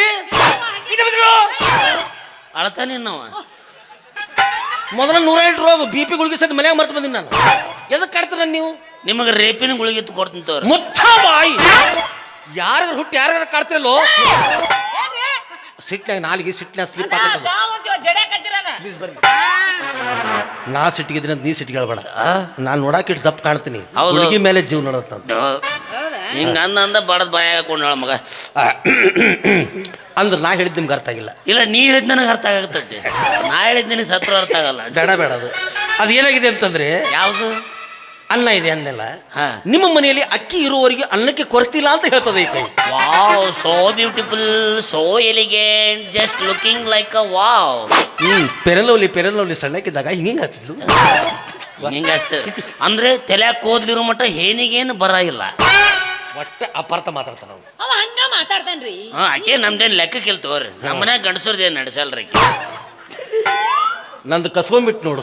[SPEAKER 1] ಅಳತಾನೆ ನಾವ.
[SPEAKER 2] ಮೊದಲ ನೂರ ಎಂಟು ರೂಪಾಯಿ ಬಿ ಪಿ ಗುಳಿಗೆ ಸದ್ ಮನ್ಯಾಗ ಮರ್ತು ಬಂದಿನಿ ನಾನು. ಎದಕ್ಕೆ ಕಾಡ್ತೀರ ನೀವು?
[SPEAKER 1] ನಿಮಗೆ ರೇಪಿನ ಗುಳಿಗೆ ಕೊಡ್ತೀನಿ ತೋರಿ.
[SPEAKER 2] ಮುಚ್ಚ ಬಾಯಿ. ಯಾರ ಹುಟ್ಟಿ ಯಾರ ಕಾಡ್ತಿರಲ್ಲೋ ಸಿಟ್ನಾಗ ನಾಲಿಗೆ ಸಿಟ್ನಾಗ ಸ್ಲಿಪ್ ಹಾಕತ್ತದ.
[SPEAKER 3] ಜಡೆ ಕತ್ತಿರನ.
[SPEAKER 2] ಪ್ಲೀಸ್ ಬರ್ರಿ. ನಾ ಸಿಟ್ಟಿಗಿದ್ದೀನಿ ಅಂತ ನೀ ಸಿಟ್ಟಿಗೆ ಹೇಳ್ಬೇಡ. ನಾನು ನೋಡಾಕ ಇಟ್ಟು ದಪ್ಪ ಕಾಣ್ತೀನಿ.
[SPEAKER 1] ಹೌದು.
[SPEAKER 2] ಹುಡುಗಿ ಮೇಲೆ ಜೀವ ನೋಡತ್ತ
[SPEAKER 3] ಹೌದಾ?
[SPEAKER 1] ಹಿಂಗ ಅಂದ ಅಂದ ಬಡದ್ ಬಾಯ ಹಾಕೊಂಡು ಹೇಳ ಮಗ.
[SPEAKER 2] ಅಂದ್ರೆ ನಾ ಹೇಳಿದ್ ನಿಮ್ಗೆ ಅರ್ಥ ಆಗಿಲ್ಲ.
[SPEAKER 1] ಇಲ್ಲ, ನೀ ಹೇಳಿದ್ ನನಗೆ ಅರ್ಥ ಆಗತ್ತೈತಿ. ನಾ ಹೇಳಿದ್ ನಿನಗೆ ಸತ್ರ ಅರ್ಥ ಆಗಲ್ಲ.
[SPEAKER 2] ಬೇಡ ಬೇಡ. ಅದು ಅದು ಏನಾಗಿದೆ ಅಂತಂದ್ರೆ
[SPEAKER 1] ಯಾವುದು?
[SPEAKER 2] ಅನ್ನ ಇದೆ ಅನ್ನೆಲ್ಲ.
[SPEAKER 1] ಹಾ.
[SPEAKER 2] ನಿಮ್ಮ ಮನೆಯಲ್ಲಿ ಅಕ್ಕಿ ಇರುವವರೆಗೆ ಅನ್ನಕ್ಕೆ ಕೊರತಿಲ್ಲ ಅಂತ ಹೇಳ್ತದೆ ಈ ಕೈ.
[SPEAKER 1] Wow, so beautiful, so elegant, just looking like a wow.
[SPEAKER 2] Hmm ಪೆರಲವ್ಲಿ ಪೆರಲವ್ಲಿ ಸಣ್ಣಕ್ಕಿದ್ದಾಗ ಹಿಂಗೆ ಹಚ್ಚಿದ್ಲು.
[SPEAKER 1] ಹಿಂಗ ಅಂದ್ರೆ ತಲೆ ಕೂದ್ಲಿರೋ ಮಟ್ಟ ಏನಿಗೇನು ಬರ ಇಲ್ಲ.
[SPEAKER 2] ಒಟ್ಟ ಅಪಾರ್ಥ ಮಾತಾಡ್ತಾನ ಅವ್ನು.
[SPEAKER 3] ಅವ ಹಂಗ ಮಾತಾಡ್ತಾನ್ರಿ.
[SPEAKER 1] ಹಾ ಆಕೆ ನಮ್ದೇನ್ ಲೆಕ್ಕಕ್ಕೆ ಇಲ್ ತಗೋರಿ. ನಮ್ಮ ಮನ್ಯಾಗ ಗಂಡಸರ್ದೇನ್ ನಡೆಸಲ್ರಿ ಆಕಿ.
[SPEAKER 2] ನಂದು ಕಸ್ಕೊಂಡ್ಬಿಟ್ಟು ನೋಡು.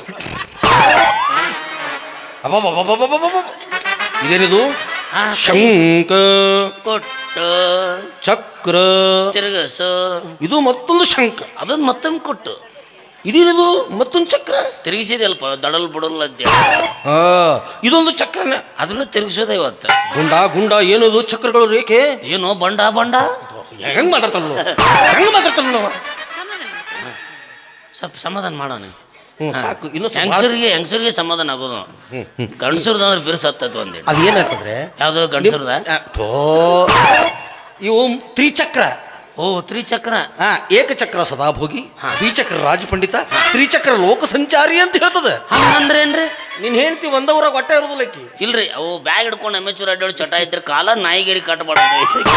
[SPEAKER 2] ಅಬ್ಬಬ್ಬಬ್ಬಬ್ಬಬ್ಬಬ್ಬ. ಇದೇನಿದು?
[SPEAKER 1] ಹಾ,
[SPEAKER 2] ಶಂಕ
[SPEAKER 1] ಕೊಟ್ಟು
[SPEAKER 2] ಚಕ್ರ
[SPEAKER 1] ತಿರುಗಸು.
[SPEAKER 2] ಇದು ಮತ್ತೊಂದು ಶಂಕ.
[SPEAKER 1] ಅದನ್ನ ಮತ್ತೊಮ್ಮೆ ಕೊಟ್ಟು
[SPEAKER 2] ಇದೇನಿದು? ಮತ್ತೊಂದು ಚಕ್ರ
[SPEAKER 1] ತಿರುಗಿಸಿದಲ್ಪ ದಡಲ್ ಬುಡಲ್ ಅದ್ದೆ.
[SPEAKER 2] ಹಾ ಇದೊಂದು ಚಕ್ರನ.
[SPEAKER 1] ಅದನ್ನು ತಿರುಗಿಸೋದ ಇವತ್ತು.
[SPEAKER 2] ಗುಂಡ ಗುಂಡ ಏನದು ಚಕ್ರಗಳು ರೇಖೆ?
[SPEAKER 1] ಏನು ಬಂಡ ಬಂಡ
[SPEAKER 2] ಹೆಂಗ್ ಮಾತಾಡ್ತಾನ ಹೆಂಗ್ ಮಾತಾಡ್ತಾನ
[SPEAKER 1] ಸ್ವಲ್ಪ ಸಮಾಧಾನ ಮಾಡೋಣ.
[SPEAKER 2] ಹ್ಮ್ ಸಾಕು. ಇನ್ನು
[SPEAKER 1] ಹೆಂಗಸರಿಗೆ ಹೆಂಗಸರಿಗೆ ಸಮಾಧಾನ ಆಗೋದು.
[SPEAKER 2] ಹ್ಮ್ ಹ್ಮ್
[SPEAKER 1] ಗಂಡಸರ್ದ ಅಂದ್ರೆ ಬಿರುಸು ಹತ್ತೈತಿ ಒಂದೇಳಿ.
[SPEAKER 2] ಅದು ಏನಾಗ್ತದ್ರೆ
[SPEAKER 1] ಯಾವ್ದು ಗಂಡಸರ್ದ?
[SPEAKER 2] ಥೋ, ಇವು ತ್ರಿಚಕ್ರ.
[SPEAKER 1] ಓ ತ್ರಿಚಕ್ರ.
[SPEAKER 2] ಹಾ ಏಕಚಕ್ರ ಸದಾಭೋಗಿ,
[SPEAKER 1] ಹಾ.
[SPEAKER 2] ದ್ವಿಚಕ್ರ ರಾಜಪಂಡಿತ, ತ್ರಿಚಕ್ರ ಲೋಕ ಸಂಚಾರಿ ಅಂತ ಹೇಳ್ತದ.
[SPEAKER 1] ಹಂಗಂದ್ರೇನ್ರಿ?
[SPEAKER 2] ನೀನ್ ಹೇಳ್ತಿ ಒಂದವರಾಗ ಹೊಟ್ಟೆ ಇರೋದಿಲ್ಲ ಆಕಿ.
[SPEAKER 1] ಇಲ್ರಿ ಅವು ಬ್ಯಾಗ್ ಹಿಡ್ಕೊಂಡು ಅಮೆಚೂರ್ ಅಡ್ಡಾಡಿ ಚಟ ಇದ್ರೆ ಕಾಲ ನಾಯಿಗೇರಿ ಕಟ್ಟಬಾರ್ದು.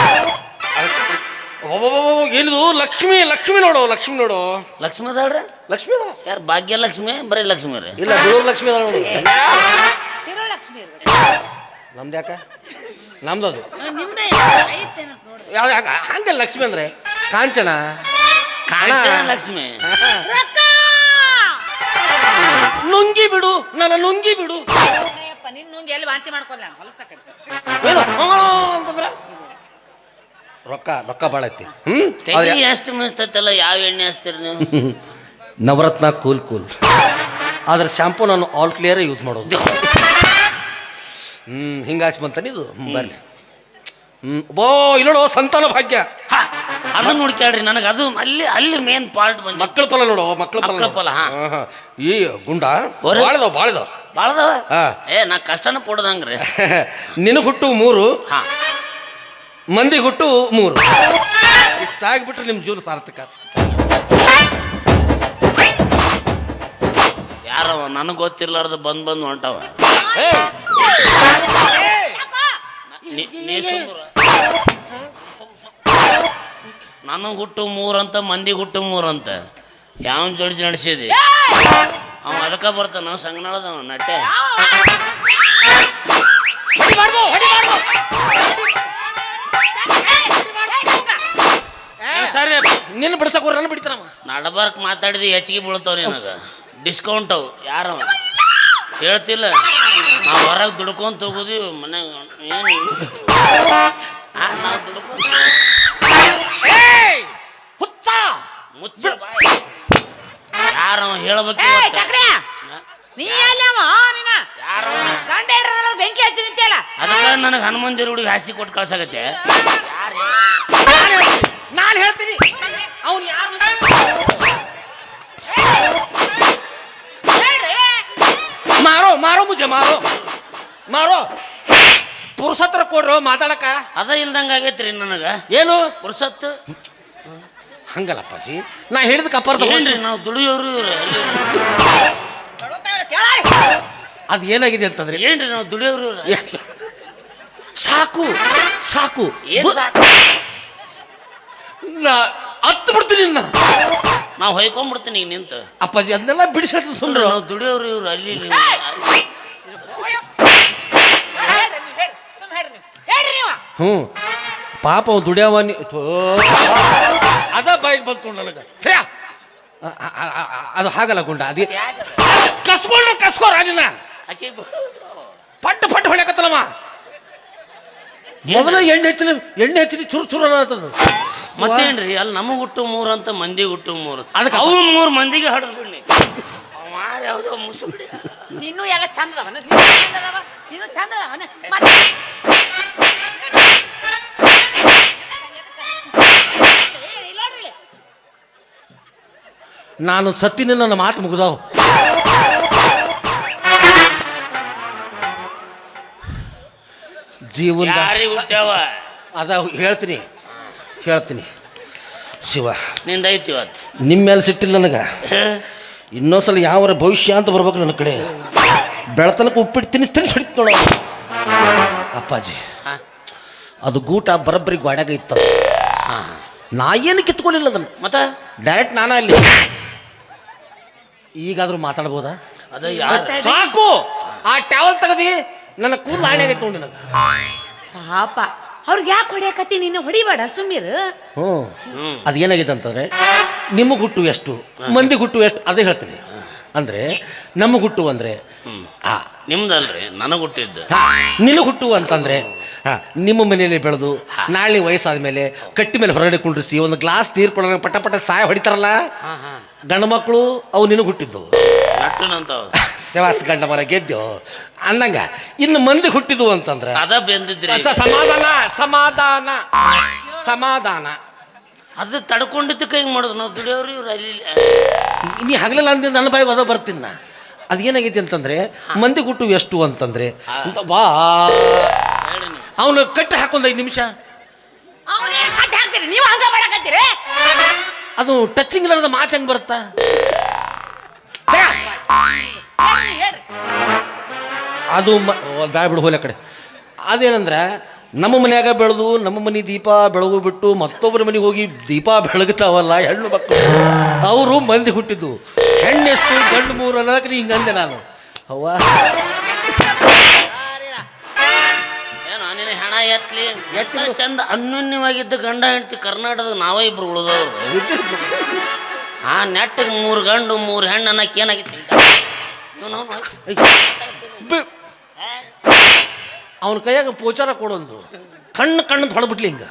[SPEAKER 2] ಏನಿದು? ಲಕ್ಷ್ಮಿ ಲಕ್ಷ್ಮಿ ನೋಡು, ಲಕ್ಷ್ಮಿ ನೋಡು.
[SPEAKER 1] ಲಕ್ಷ್ಮಿ ಅದಾಳ್ರಿ?
[SPEAKER 2] ಲಕ್ಷ್ಮಿ ಅದ
[SPEAKER 1] ಯಾರು ಭಾಗ್ಯ ಲಕ್ಷ್ಮಿ ಬರೀ ಲಕ್ಷ್ಮಿ ರೀ?
[SPEAKER 2] ಇಲ್ಲ, ಬೆಳೂರು ಲಕ್ಷ್ಮಿ ಅದ ನೋಡು.
[SPEAKER 3] ಶಿರೋಲಕ್ಷ್ಮಿ ಇರ್ಬೇಕು.
[SPEAKER 2] ನಮ್ದು ಯಾಕ? ನಮ್ದದು
[SPEAKER 3] ನಿಮ್ದೇ ಐತೇನಂತ ನೋಡ್ರಿ.
[SPEAKER 2] ಯಾವ ಯಾಕ ಹಂಗ ಲಕ್ಷ್ಮಿ ಅಂದ್ರೆ ಕಾಂಚನ
[SPEAKER 1] ಕಾಂಚನ ಲಕ್ಷ್ಮಿ.
[SPEAKER 2] ನುಂಗಿ ಬಿಡು, ನನ್ನ ನುಂಗಿ ಬಿಡು.
[SPEAKER 3] ಅಯ್ಯಪ್ಪ ನಿನ್ ನುಂಗಿ ಎಲ್ಲಿ ವಾಂತಿ ಮಾಡ್ಕೊಲ್ಲ ಹೊಲಸಕ್ಕೆ.
[SPEAKER 2] ಏನು ಅಂತಂದ್ರ ರೊಕ್ಕ ರೊಕ್ಕ ಭಾಳ ಐತಿ. ಹ್ಮ್
[SPEAKER 1] ತೆಗಿ ಎಷ್ಟು ಮಿಸ್ತೈತಲ್ಲ. ಯಾವ ಎಣ್ಣೆ ಹಚ್ತೀರಿ ನೀವು?
[SPEAKER 2] Navratna cool cool. ಆದ್ರೆ ಶಾಂಪೂ ನಾನು ಆಲ್ ಕ್ಲಿಯರ್ ಯೂಸ್ ಮಾಡೋದು. ಹ್ಮ್ ಹಿಂಗಾಚ್ ಬಂತಾನೆ ಇದು. ಹ್ಮ್ ಬರ್ಲಿ. ಹ್ಮ್ ಬೋ ಇಲ್ಲೋಡು ಸಂತಾನ ಭಾಗ್ಯ.
[SPEAKER 1] ಹಾ, ಅದನ್ನ ನೋಡ್ಕ್ಯಾಡ್ರಿ. ನನಗೆ ಅದು ಅಲ್ಲಿ ಅಲ್ಲಿ ಮೇನ್ ಪಾರ್ಟ್ ಬಂದ
[SPEAKER 2] ಮಕ್ಕಳ ಫಲ ನೋಡು, ಮಕ್ಕಳ ಫಲ
[SPEAKER 1] ಮಕ್ಕಳ ಫಲ. ಹಾ
[SPEAKER 2] ಆಹಾ. ಈ ಗುಂಡ
[SPEAKER 1] ಓರೆ.
[SPEAKER 2] ಬಾಳದವ್ ಬಾಳದವ್
[SPEAKER 1] ಬಾಳದವ.
[SPEAKER 2] ಹಾ
[SPEAKER 1] ಏ ನಾ ಕಷ್ಟನ ಪಡೋದಂಗ್ರಿ.
[SPEAKER 2] ನಿನಗೆ ಹುಟ್ಟು ಮೂರು,
[SPEAKER 1] ಹಾ
[SPEAKER 2] ಮಂದಿ ಹುಟ್ಟು ಮೂರು. ಇಷ್ಟಾಗ್ಬಿಟ್ರೆ ನಿಮ್ ಜೀವನ ಸಾರ್ಥಕ.
[SPEAKER 1] ಯಾರವ ನನಗೆ ಗೊತ್ತಿರ್ಲಾರ್ದ ಬಂದ್ ಬಂದ್ ಹೊಂಟವ.
[SPEAKER 2] ಏ,
[SPEAKER 1] ನೀ- ನೀ ಸುಮ್ನಿರು. ನನಗೆ ಹುಟ್ಟು ಮೂರಂತ ಮಂದಿ ಹುಟ್ಟು ಮೂರಂತ ಯಾವನ್ ಜೋಡಿಸಿ ನಡೆಸಿದಿ? ಅವ ಅದಕ್ಕ ಬರ್ತಾನ ಸಂಗನಾಳದವ ನಟ್ಟೆ. ಸರಿ
[SPEAKER 2] ನಿನ್ನ ಬಿಡ್ಸಕ್ ನನ್ನ ಬಿಡ್ತಾನವ.
[SPEAKER 1] ನಡಬಾರ್ಕ್ ಮಾತಾಡಿದಿ ಹೆಚ್ಚಿಗೆ ಬೀಳ್ತಾವ ನಿನಗ. ಡಿಸ್ಕೌಂಟ್ ಅವು ಯಾರವ ಹೇಳ್ತಿಲ್ಲ. ನಾವು ಹೊರಗೆ ದುಡ್ಕೊಂತ ಹೋಗೋದಿ ಮನ್ಯಾಗ ಏನು ನಾವು ದುಡ್ಕೊಂತ ಹುಚ್ಚ ಮುಚ್ಚ ಬಾಯ್. ಯಾರವ ಹೇಳ್ಬೇಕು
[SPEAKER 3] ಏಯ್
[SPEAKER 1] ಇವತ್ತ?
[SPEAKER 3] ಟಕ್ರ್ಯಾ, ನೀ ಅಲ್ಲವ ನೀನ
[SPEAKER 1] ಯಾರವ?
[SPEAKER 3] ಗಂಡ ಹೆಂಡ್ರ ಬೆಂಕಿ ಹಚ್ಚಿ ನಿಂತಿಯಲ್ಲ.
[SPEAKER 1] ಅದಕ್ಕ ನನಗೆ ಹನುಮಂತ ದೇವ್ರಿಗೆ ಹಾಸಿ ಕೊಟ್ಟು ಕಳ್ಸಾಗತ್ತೆ.
[SPEAKER 2] ನಾನು ಹೇಳ್ತೀನಿ ಅವ್ನು ಯಾರು ಮಾರೋ ಮಾರೋ ಮುಜೆ ಮಾರೋ ಮಾರೋ ಪುರುಷತ್ರ ಕೊಡ್ರೋ ಮಾತಾಡಕ.
[SPEAKER 1] ಅದ ಇಲ್ದಂಗ ಆಗೈತ್ರಿ ನನಗ.
[SPEAKER 2] ಏನು
[SPEAKER 1] ಪುರುಸತ್ತು
[SPEAKER 2] ಹಂಗಲ್ಲಪ್ಪಾಜಿ, ನಾ ಹೇಳಿದ ಕಪ್ಪಾರ್ದ
[SPEAKER 1] ಏನ್ರಿ ನಾವು ದುಡಿಯೋರು ಇವ್ರು.
[SPEAKER 2] ಅದು ಏನಾಗಿದೆ ಅಂತಂದ್ರೆ
[SPEAKER 1] ಏನ್ರಿ ನಾವು ದುಡಿಯೋರು ಇವ್ರು.
[SPEAKER 2] ಸಾಕು ಸಾಕು
[SPEAKER 1] ಏನ್ ಸಾಕು?
[SPEAKER 2] ನಾ ಹತ್ತು ಬಿಡ್ತೀನಿ ನಾ.
[SPEAKER 1] ನಾವು ಹೊಯ್ಕೊಂಡ್ಬಿಡ್ತೀನಿ ಈಗ ನಿಂತು.
[SPEAKER 2] ಅಪ್ಪಾಜಿ ಅದನ್ನೆಲ್ಲ ಬಿಡಿಸಿ ಹೇಳ್ತೀನಿ
[SPEAKER 1] ಸುಮ್ರು
[SPEAKER 2] ಸುಂಡ್ರು.
[SPEAKER 1] ನಾವು ದುಡಿಯೋರು ಇವ್ರು ಅಲ್ಲಿ ಇಲ್ಲಿ.
[SPEAKER 2] ಹ್ಞೂ ಪಾಪ ಅವ್ನು ದುಡಿಯವ ನೀ- ಥೋ. ಅದ ಬಾಯಿಗೆ ಬಂತು ನನಗೆ. ಸರಿಯಾ ಅ- ಅ- ಅ- ಅ- ಅದು ಹಾಗಲ್ಲ ಗುಂಡ. ಅದೇ ಕಸ್ಕೊಂಡ್ರೆ ಕಸ್ಕೋ ರಾಜಿನ
[SPEAKER 1] ಆಕಿ ಬ-
[SPEAKER 2] ಪಟ್ಟು ಪಟ್ಟು ಹೊಳ್ಯಾಕತ್ತಲ್ಲಮ್ಮ. ಮೊದಲ ಎಣ್ಣೆ ಹೆಚ್ಚಿನ ಎಣ್ಣೆ ಹೆಚ್ಚಿನ ಚುರು ಚುರು ಅನ್ನತದ.
[SPEAKER 1] ಮತ್ತೇನ್ರಿ ಅಲ್ಲಿ ನಮಗ್ ಹುಟ್ಟು ಮೂರು ಅಂತ ಮಂದಿ ಹುಟ್ಟು ಮೂರು.
[SPEAKER 2] ಅದಕ್ಕೆ
[SPEAKER 1] ಅವು ಮೂರು ಮಂದಿಗೆ ಹಡದ್ ಬಿಡ್ನಿ. ಮಾರ ಯಾವ್ದೋ ಮುಸುಡಿ.
[SPEAKER 3] ನೀನು ಎಲ್ಲ ಚಂದ ಅದಾವ, ನೀನು ಚಂದ ಅದಾವ, ನೀನು ಚಂದ ಅದಾವ. ಮತ್ತೆ ಇಲ್ಲಿ ನೋಡ್ರಿ ಇಲ್ಲಿ.
[SPEAKER 2] ನಾನು ಸತ್ತಿನ ನನ್ನ ಮಾತು ಮುಗಿದಾವು. ಜೀವನ
[SPEAKER 1] ಯಾರಿಗೆ ಹುಟ್ಟ್ಯಾವ?
[SPEAKER 2] ಅದ ಹೇಳ್ತೀನಿ ಹೇಳ್ತೀನಿ ಶಿವ.
[SPEAKER 1] ನಿಂದ ಐತಿ ಇವತ್ತು.
[SPEAKER 2] ನಿಮ್ಮ ಮೇಲೆ ಸಿಟ್ಟಿಲ್ಲ ನನಗೆ. ಇನ್ನೊಂದ್ಸಲ ಯಾವರ ಭವಿಷ್ಯ ಅಂತ ಬರ್ಬೇಕು ನನ್ನ ಕಡೆ. ಬೆಳತನಕ ಉಪ್ಪಿಟ್ಟು ತಿನ್ನಿಸ್ ತಿನ್ನಿಸ್ ಹೊಡಿತು ನೋಡ ಅಪ್ಪಾಜಿ.
[SPEAKER 1] ಹಾ
[SPEAKER 2] ಅದು ಗೂಟ ಬರಬ್ಬರಿ ಗಾಡ್ಯಾಗ ಇತ್ತ.
[SPEAKER 1] ಹಾ
[SPEAKER 2] ನಾ ಏನು ಕಿತ್ಕೊಳ್ಳಿಲ್ಲ ಅದನ್ನು.
[SPEAKER 1] ಮತ್ತ
[SPEAKER 2] ಡೈರೆಕ್ಟ್ ನಾನ ಅಲ್ಲಿ. ಈಗಾದ್ರೂ ಮಾತಾಡ್ಬೋದಾ?
[SPEAKER 1] ಅದ ಯಾರು?
[SPEAKER 2] ಸಾಕು. ಆ ಟ್ಯಾವಲ್ ತೆಗದಿ ನನ್ನ ಕೂದಲು ಹಾಣೆ ಆಗೈತೆ ನೋಡಿ ನನಗೆ.
[SPEAKER 3] ಪಾಪ ಅವ್ರಿಗೆ ಯಾಕೆ ಹೊಡಿಯಕತ್ತಿ ನೀನು ಹೊಡಿಬೇಡ ಸುಮ್ಮೀರ್.
[SPEAKER 2] ಹ್ಞೂ
[SPEAKER 1] ಹ್ಮ್
[SPEAKER 2] ಅದೇನಾಗಿದೆ ಅಂತಂದ್ರೆ ನಿಮಗೆ ಹುಟ್ಟು ಎಷ್ಟು ಮಂದಿ ಹುಟ್ಟು ಎಷ್ಟು ಅದೇ ಹೇಳ್ತೀನಿ. ಅಂದ್ರೆ ನಮಗೆ ಹುಟ್ಟು ಅಂದ್ರೆ
[SPEAKER 1] ಹ್ಮ್
[SPEAKER 2] ಆ
[SPEAKER 1] ನಿಮ್ದಲ್ರಿ ನನಗ್ ಹುಟ್ಟಿದ್ದು.
[SPEAKER 2] ನಿನಗೆ ಹುಟ್ಟು ಅಂತಂದ್ರೆ ಹಾ ನಿಮ್ಮ ಮನೆಯಲ್ಲಿ ಬೆಳೆದು ನಾಳೆ ವಯಸ್ಸಾದ ಮೇಲೆ ಕಟ್ಟಿ ಮೇಲೆ ಹೊರಗಡೆ ಕುಂಡ್ರಿಸಿ ಒಂದು ಗ್ಲಾಸ್ ನೀರು ಕೊಡೋಣ ಪಟ ಪಟ ಸಾಯ ಹೊಡಿತಾರಲ್ಲ
[SPEAKER 1] ಹಾ ಹಾ
[SPEAKER 2] ಗಂಡು ಮಕ್ಕಳು ಅವು ನಿನಗೆ ಹುಟ್ಟಿದ್ದು.
[SPEAKER 1] ನಟ್ಟುನಂತಾವ
[SPEAKER 2] ಶವಾಸ ಗಂಡ ಮರ ಗೆದ್ದು ಅನ್ನಂಗ ಇನ್ನು ಮಂದಿ ಹುಟ್ಟಿದ್ವು ಅಂತಂದ್ರೆ
[SPEAKER 1] ಅದ ಬೆಂದಿದ್ರಿ.
[SPEAKER 2] ಅಚ್ಚ, ಸಮಾಧಾನ ಸಮಾಧಾನ ಸಮಾಧಾನ
[SPEAKER 1] ಅದು ತಡ್ಕೊಂಡಿದ್ದಕ್ಕೆ ಹಿಂಗ್ ಮಾಡೋದು ನಾವು ದುಡಿಯೋರು ಇವ್ರು ಅಲ್ಲಿ.
[SPEAKER 2] ನೀ ಹಗಲೆಲ್ಲ ಅಂದ ನನ್ನ ಬಾಯಿ ಅದ ಬರ್ತೀನಿ ನಾ. ಅದೇನಾಗೈತಿ ಅಂತಂದ್ರೆ ಮಂದಿ ಹುಟ್ಟು ಎಷ್ಟು ಅಂತಂದ್ರೆ ಅಂತ ಬಾ
[SPEAKER 1] ಹೇಳಿ ನೀವು.
[SPEAKER 2] ಅವನು ಕಟ್ಟಿ ಹಾಕೊಂಡ್ ಐದು ನಿಮಿಷ
[SPEAKER 3] ಅವನೇ ಕಟ್ಟಿ ಹಾಕ್ತೀರಿ ನೀವು ಹಂಗ ಮಾಡಕತ್ತೀರಿ.
[SPEAKER 2] ಅದು ಟಚಿಂಗ್ ಇಲ್ಲದ ಮಾತು ಹೆಂಗ್ ಬರುತ್ತಾ?
[SPEAKER 3] ಹೇಳ್ರಿ.
[SPEAKER 2] ಅದು ಬ್ಯಾಡ ಬಿಡು ಹೋಲ ಕಡೆ. ಅದೇನಂದ್ರೆ ನಮ್ಮ ಮನ್ಯಾಗ ಬೆಳೆದು ನಮ್ಮ ಮನೆ ದೀಪ ಬೆಳಗು ಬಿಟ್ಟು ಮತ್ತೊಬ್ಬರ ಮನೆಗೆ ಹೋಗಿ ದೀಪ ಬೆಳಗ್ತಾವಲ್ಲ ಹೆಣ್ಣು ಮಕ್ಕಳು, ಅವರು ಮಂದಿ ಹುಟ್ಟಿದ್ದು. ಹೆಣ್ಣೆಷ್ಟು ಗಂಡು ಮೂರು ಅನ್ನೋದಕ್ಕೆ ನೀ ಹಿಂಗಂದೆ ನಾನು. ಅವ್ವ
[SPEAKER 1] ಏನೋ ನಿನ್ನ ಹೆಣ ಎತ್ಲಿ ಎತ್ತ ಚಂದ ಅನ್ಯೋನ್ಯವಾಗಿದ್ದ ಗಂಡ ಹೆಂಡತಿ ಕರ್ನಾಟಕದಾಗ ನಾವೇ ಇಬ್ರು ಉಳಿದವ್ರು. ಆ ನೆಟ್ಟಿಗೆ ಮೂರು ಗಂಡು ಮೂರು ಹೆಣ್ಣು ಅನ್ನಕ್ಕೆ ಏನಾಗಿತ್ತು
[SPEAKER 2] ಅವನ ಕೈಯಾಗ ಪೋಚಾರ ಕೊಡೊಂದು ಕಣ್ಣು ಕಣ್ಣು ಹೊಡೆಬಿಟ್ಲಿ ಹಿಂಗ.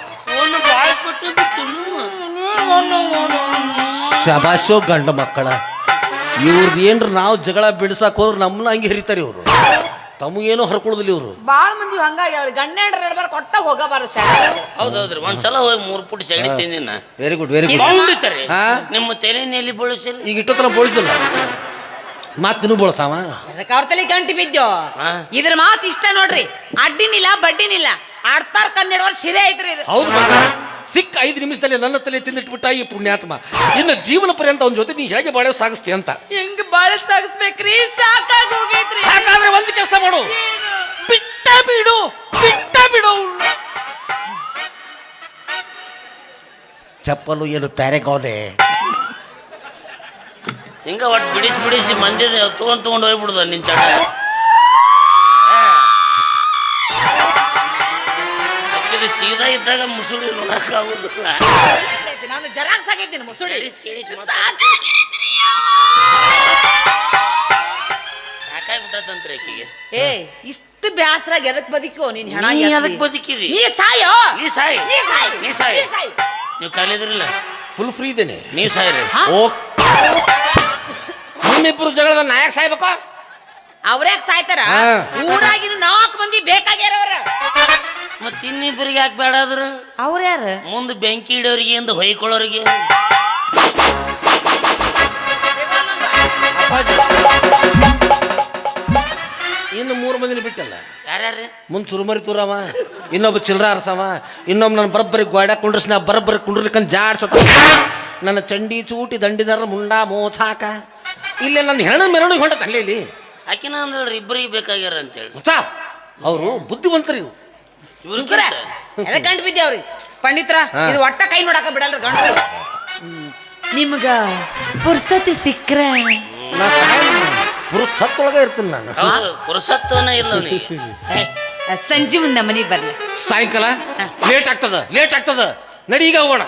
[SPEAKER 2] ಶಬಾಷೋ ಗಂಡ ಮಕ್ಕಳ ಇವ್ರದ್ದು ಏನ್ರ ನಾವು ಜಗಳ ಬಿಡಿಸಕ್ ಹೋದ್ರೆ ನಮ್ಮನ್ನ ಹಂಗೆ ಹರಿತಾರೆ ಇವರು. ತಮಗೇನೋ ಹರ್ಕೊಳ್ಳೋದಿಲ್ಲ ಇವರು.
[SPEAKER 3] ಬಾಳ ಮಂದಿ ಹಂಗಾಗಿ ಅವ್ರಿಗೆ ಗಂಡ ಹೆಂಡ್ರ ನಡ್ಬಾರ ಕೊಟ್ಟ ಹೋಗಬಾರ.
[SPEAKER 1] ಹೌದೌದ್ರಿ ಒಂದ್ಸಲ ಹೋಗಿ ಮೂರು ಪುಟ್ ಸಗಣಿ ತಿಂದಿನ.
[SPEAKER 2] Very good very good. ಹಾ
[SPEAKER 1] ನಿಮ್ಮ ತಲೆಯಲ್ಲಿ ಬಳಸಿಲ್ಲ
[SPEAKER 2] ಈಗ ಇಟ್ಟೋತರ ಬೋಳಿಸಲ್ಲ ಮಾತಿನೂ ಬೋಳ್ಸಾವ.
[SPEAKER 3] ಅದಕ್ಕೆ ಅವ್ರ ತಲೆ ಗಂಟಿ ಬಿದ್ದು ಇದ್ರ ಮಾತು ಇಷ್ಟ ನೋಡ್ರಿ. ಅಡ್ಡಿನಿಲ್ಲ ಬಡ್ಡಿನಿಲ್ಲ ಆಡ್ತಾರ ಕನ್ನಡವರ್ ಶಿರೆ ಐತ್ರಿ ಇದು.
[SPEAKER 2] ಹೌದು ಮಗ, ಸಿಕ್ಕ ಐದು ನಿಮಿಷದಲ್ಲಿ ನನ್ನ ತಲೆ ತಿಂದಿಟ್ಬಿಟ್ಟ ಈ ಪುಣ್ಯಾತ್ಮ. ಇನ್ನು ಜೀವನ ಪರ್ಯಂತ ಅವನ ಜೊತೆ ನೀ ಹೇಗೆ ಬಾಳೆ ಸಾಗಿಸ್ತಿ ಅಂತ.
[SPEAKER 3] ಹೆಂಗ್ ಬಾಳ ಸಾಗಿಸ್ಬೇಕ್ರಿ, ಸಾಕಾಗಿ ಹೋಗೈತ್ರಿ.
[SPEAKER 2] ಯಾಕಾದ್ರೆ ಒಂದು ಕೆಲಸ ಮಾಡು, ಬಿಟ್ಟ ಬಿಡು ಬಿಟ್ಟ ಬಿಡು. ಚಪ್ಪಲು ಏನು ಪ್ಯಾರೆಗೋದೆ
[SPEAKER 1] ಹಿಂಗ ಒಟ್ಟು ಬಿಡಿಸಿ ಬಿಡಿಸಿ ಮಂದಿ ತಗೊಂಡ್ ತಗೊಂಡು ಹೋಗ್ಬಿಡುದ ನಿನ್ ಚಟ. ಅಕ್ಕಿದ ಸೀದಾ ಇದ್ದಾಗ ಮುಸುಳಿ ನೋಡಕ್ ಆಗುದಿಲ್ಲ.
[SPEAKER 3] ನಾನು ಜರಾಕ್ಸ್ ಆಗೈತೀನಿ ಮುಸುಳಿ.
[SPEAKER 1] ಸಾಕಾಗ್ಬಿಟ್ಟಂತ್ರಿ ಆಕಿಗೆ.
[SPEAKER 3] ಏ ಇಷ್ಟು ಬ್ಯಾಸರಾಗಿ ಎದಕ್ ಬದುಕೋ ನೀನ್ ಹೆಣ
[SPEAKER 1] ನೀ
[SPEAKER 3] ಎತ್ತಿ?
[SPEAKER 1] ಅದಕ್ ಬದುಕಿದಿ.
[SPEAKER 3] ನೀ ಸಾಯೋ
[SPEAKER 1] ನೀ ಸಾಯಿ
[SPEAKER 3] ನೀ ಸಾಯ್
[SPEAKER 1] ನೀ ಸಾಯಿ
[SPEAKER 3] ನೀ ಸಾಯ್.
[SPEAKER 1] ನೀವು ಕಲಿದ್ರಿಲ್ಲ
[SPEAKER 2] ಫುಲ್ ಫ್ರೀ ಇದ್ದೇನೆ.
[SPEAKER 1] ನೀವ್ ಸಾಯ್ರಿ.
[SPEAKER 2] ಓ ನಿಮ್ಮಿಬ್ರು ಜಗಳದ ನಾಯಕ್ ಸಾಯ್ಬೇಕು.
[SPEAKER 3] ಅವ್ರ್ಯಾಕ್ ಸಾಯ್ತಾರ?
[SPEAKER 2] ಹಾ.
[SPEAKER 3] ಊರಾಗಿನ ನಾಲ್ಕು ಮಂದಿ ಬೇಕಾಗ್ಯಾರವ್ರ.
[SPEAKER 1] ಮತ್ ಇನ್ನಿಬ್ಬರಿಗೆ ಯಾಕೆ ಬೇಡ ಆದ್ರ?
[SPEAKER 3] ಅವ್ರ ಯಾರ?
[SPEAKER 1] ಮುಂದೆ ಬೆಂಕಿ ಇಡೋರಿಗೆ ಎಂದು ಹೊಯ್ಕೊಳ್ಳೋರಿಗೆ.
[SPEAKER 2] ಇನ್ನು ಮೂರು ಮಂದಿನ ಬಿಟ್ಟಲ್ಲ.
[SPEAKER 1] ಯಾರ್ಯಾರು?
[SPEAKER 2] ಮುಂದ್ ಸುರುಮರಿ ತೂರವ, ಇನ್ನೊಬ್ಬ ಚಿಲ್ರ ಅರಸವ, ಇನ್ನೊಬ್ಬ ನನ್ನ ಬರಬ್ಬರಿ ಗೋಡ ಕುಂಡ್ರಸ್ ನಾ ಬರಬ್ಬರಿ ಕುಂಡ್ರಲಿಕ್ಕಂತ ಜಾಡ್ಸೋತ ನನ್ನ ಚಂಡಿ ಚೂಟಿ ದಂಡಿದಾರ ಮುಂಡ ಮೋಸಾಕ ಇಲ್ಲೇ ನನ್ನ ಹೆಣ ಮೆರವಣಿಗೆ ಹೊಂಟತ ಅಲ್ಲೇ ಇಲ್ಲಿ.
[SPEAKER 1] ಆಕಿನ ಅಂದ್ರಿ ಇಬ್ಬರಿಗೆ ಬೇಕಾಗ್ಯಾರ ಅಂತೇಳಿ.
[SPEAKER 2] ಅವರು ಬುದ್ಧಿವಂತರಿ.
[SPEAKER 3] ಎದಕ್ ಗಂಟು ಬಿದ್ದೆ ಅವ್ರಿ ಪಂಡಿತ್ರ. ಇದು ಒಟ್ಟ ಕೈ ನೋಡಾಕ ಬಿಡಲ್ರಿ ಗಂಟು. ನಿಮ್ಗ ಪುರ್ಸತಿ ಸಿಕ್ಕ್ರ
[SPEAKER 2] ಪುರುಸತ್ತೊಳಗ ಇರ್ತೀನಿ ನಾನು.
[SPEAKER 1] ಹೌದು ಪುರುಷತ್ವನ ಇಲ್ಲ ಅವನಿಗೆ.
[SPEAKER 3] ಸಂಜೆ ಮುಂದೆ ಮನೆಗೆ ಬರ್ಲಿ.
[SPEAKER 2] ಸಾಯಂಕಾಲ ಲೇಟ್ ಆಗ್ತದ ಲೇಟ್ ಆಗ್ತದ ನಡಿ ಈಗ ಹೋಗೋಣ.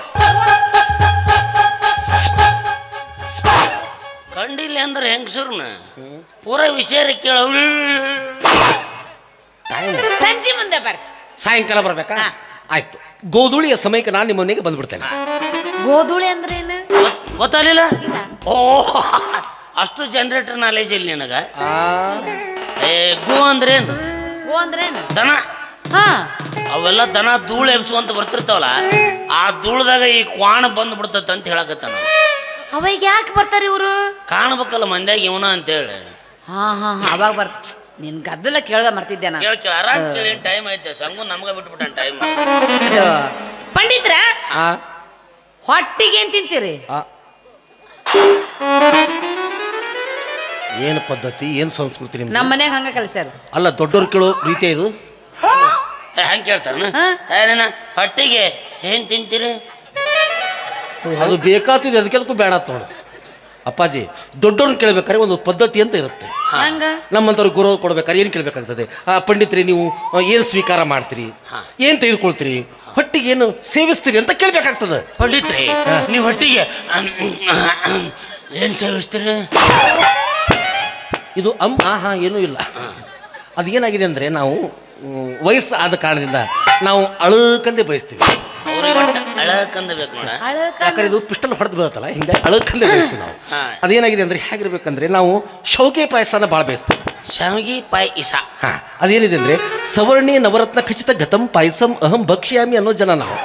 [SPEAKER 1] ಕಂಡಿಲ್ಲ ಅಂದ್ರೆ ಹೆಂಗಸರ್ನ ಪೂರ ವಿಷಯ ಕೇಳ.
[SPEAKER 3] ಸಂಜೆ ಮುಂದೆ ಬರ್ರಿ.
[SPEAKER 2] ಸಾಯಂಕಾಲ ಬರ್ಬೇಕಾ? ಆಯ್ತು, ಗೋಧೂಳಿಯ ಸಮಯಕ್ಕೆ ನಾನು ನಿಮ್ಮ ಮನೆಗೆ ಬಂದ್ಬಿಡ್ತೇನೆ.
[SPEAKER 3] ಗೋಧೂಳಿ ಅಂದ್ರೆ ಏನು
[SPEAKER 1] ಗೊತ್ತಾಗಲಿಲ್ಲ? ಓ ಅಷ್ಟು ಜನರೇಟರ್ ನಾಲೆಜ್ ಇಲ್ಲ ನಿನಗ. ಏ ಗೋ ಅಂದ್ರೇನು?
[SPEAKER 3] ಗೋ ಅಂದ್ರೇನು?
[SPEAKER 1] ದನ.
[SPEAKER 3] ಹಾ
[SPEAKER 1] ಅವೆಲ್ಲ ದನ ಧೂಳು ಎಬ್ಸುವಂತ ಬರ್ತಿರ್ತಾವಲ್ಲ, ಆ ಧೂಳದಾಗ ಈ ಕ್ವಾಣ ಬಂದ್ ಬಿಡ್ತತ್ ಅಂತ ಹೇಳಕತ್ತಾನ.
[SPEAKER 3] ಅವಾಗ ಯಾಕೆ ಬರ್ತಾರ ಇವ್ರು?
[SPEAKER 1] ಕಾಣ್ಬೇಕಲ್ಲ ಮಂದ್ಯಾಗ ಇವನ ಅಂತೇಳಿ.
[SPEAKER 3] ಹಾ ಹಾ ಹಾ ಅವಾಗ ಬರ್ತ. ನಿನ್ ಗದ್ದಲ ಕೇಳ್ದ ಮರ್ತಿದ್ದೆ ನಾನು.
[SPEAKER 1] ಕೇಳ ಕೇಳ ಆರಾಮ್ ಕೇಳಿ ಟೈಮ್ ಐತೆ. ಸಂಗು ನಮ್ಗ ಬಿಟ್ಬಿಟ್ಟ ಟೈಮ್.
[SPEAKER 3] ಪಂಡಿತ್ರ ಹೊಟ್ಟಿಗೆ ಏನ್ ತಿಂತೀರಿ?
[SPEAKER 2] ಏನು ಪದ್ಧತಿ, ಏನು ಸಂಸ್ಕೃತಿ ನಿಮ್ದು?
[SPEAKER 3] ನಮ್ಮ ಮನ್ಯಾಗ ಹಂಗ ಕಲ್ಸ್ಯಾರ.
[SPEAKER 2] ಅಲ್ಲ ದೊಡ್ಡವ್ರು ಕೇಳೋ ರೀತಿ ಇದು.
[SPEAKER 1] ಹೆಂಗ್ ಕೇಳ್ತಾನ? ಏನ ಹೊಟ್ಟಿಗೆ ಏನ್ ತಿಂತೀರಿ?
[SPEAKER 2] ಅದು ಬೇಕಾಗ್ತಿದೆ, ಅದಕ್ಕೆ ಅದಕ್ಕೂ ಬೇಡ ನೋಡು. ಅಪ್ಪಾಜಿ ದೊಡ್ಡವ್ರನ್ನ ಕೇಳ್ಬೇಕಾದ್ರೆ ಒಂದು ಪದ್ಧತಿ ಅಂತ ಇರುತ್ತೆ.
[SPEAKER 3] ಹಂಗ
[SPEAKER 2] ನಮ್ಮಂಥವ್ರಿಗೆ ಗೌರವ ಕೊಡ್ಬೇಕಾದ್ರೆ ಏನು ಕೇಳ್ಬೇಕಾಗ್ತದೆ? ಆ ಪಂಡಿತ್ರಿ ನೀವು ಏನು ಸ್ವೀಕಾರ ಮಾಡ್ತೀರಿ, ಏನು ತೆಗೆದುಕೊಳ್ತೀರಿ, ಹೊಟ್ಟಿಗೆ ಏನು ಸೇವಿಸ್ತೀರಿ ಅಂತ ಕೇಳ್ಬೇಕಾಗ್ತದೆ.
[SPEAKER 1] ಪಂಡಿತ್ರಿ ನೀವು ಹೊಟ್ಟಿಗೆ ಏನು ಸೇವಿಸ್ತೀರಿ?
[SPEAKER 2] ಇದು ಅಮ್ ಆ ಹಾ ಏನೂ ಇಲ್ಲ. ಅದೇನಾಗಿದೆ ಅಂದರೆ ನಾವು ವಯಸ್ಸು ಆದ ಕಾರಣದಿಂದ ನಾವು ಅಳಕಂದೇ ಬಯಸ್ತೀವಿ.
[SPEAKER 1] ಅವ್ರಿಗೆ ಅಳಕಂದ ಬೇಕು ನೋಡ.
[SPEAKER 2] ಯಾಕಂದ್ರೆ ಇದು ಪಿಸ್ಟಲ್ ಹೊಡೆದು ಬೀಳುತ್ತಲ್ಲ, ಹಿಂಗೆ ಅಳಕಂದೇ ಬಯಸ್ತೀವಿ ನಾವು. ಅದೇನಾಗಿದೆ ಅಂದರೆ ಹೇಗಿರ್ಬೇಕಂದ್ರೆ ನಾವು ಶೌಕೆ ಪಾಯಸನ ಭಾಳ ಬಯಸ್ತೀವಿ.
[SPEAKER 1] ಶಾವಿಗೆ ಪಾಯಸ.
[SPEAKER 2] ಹಾ, ಅದೇನಿದೆ ಅಂದರೆ ಸವರ್ಣಿ ನವರತ್ನ ಖಚಿತ ಗತಂ ಪಾಯಸಂ ಅಹಂ ಭಕ್ಷ್ಯಾಮಿ ಅನ್ನೋ ಜನ ನಾವು.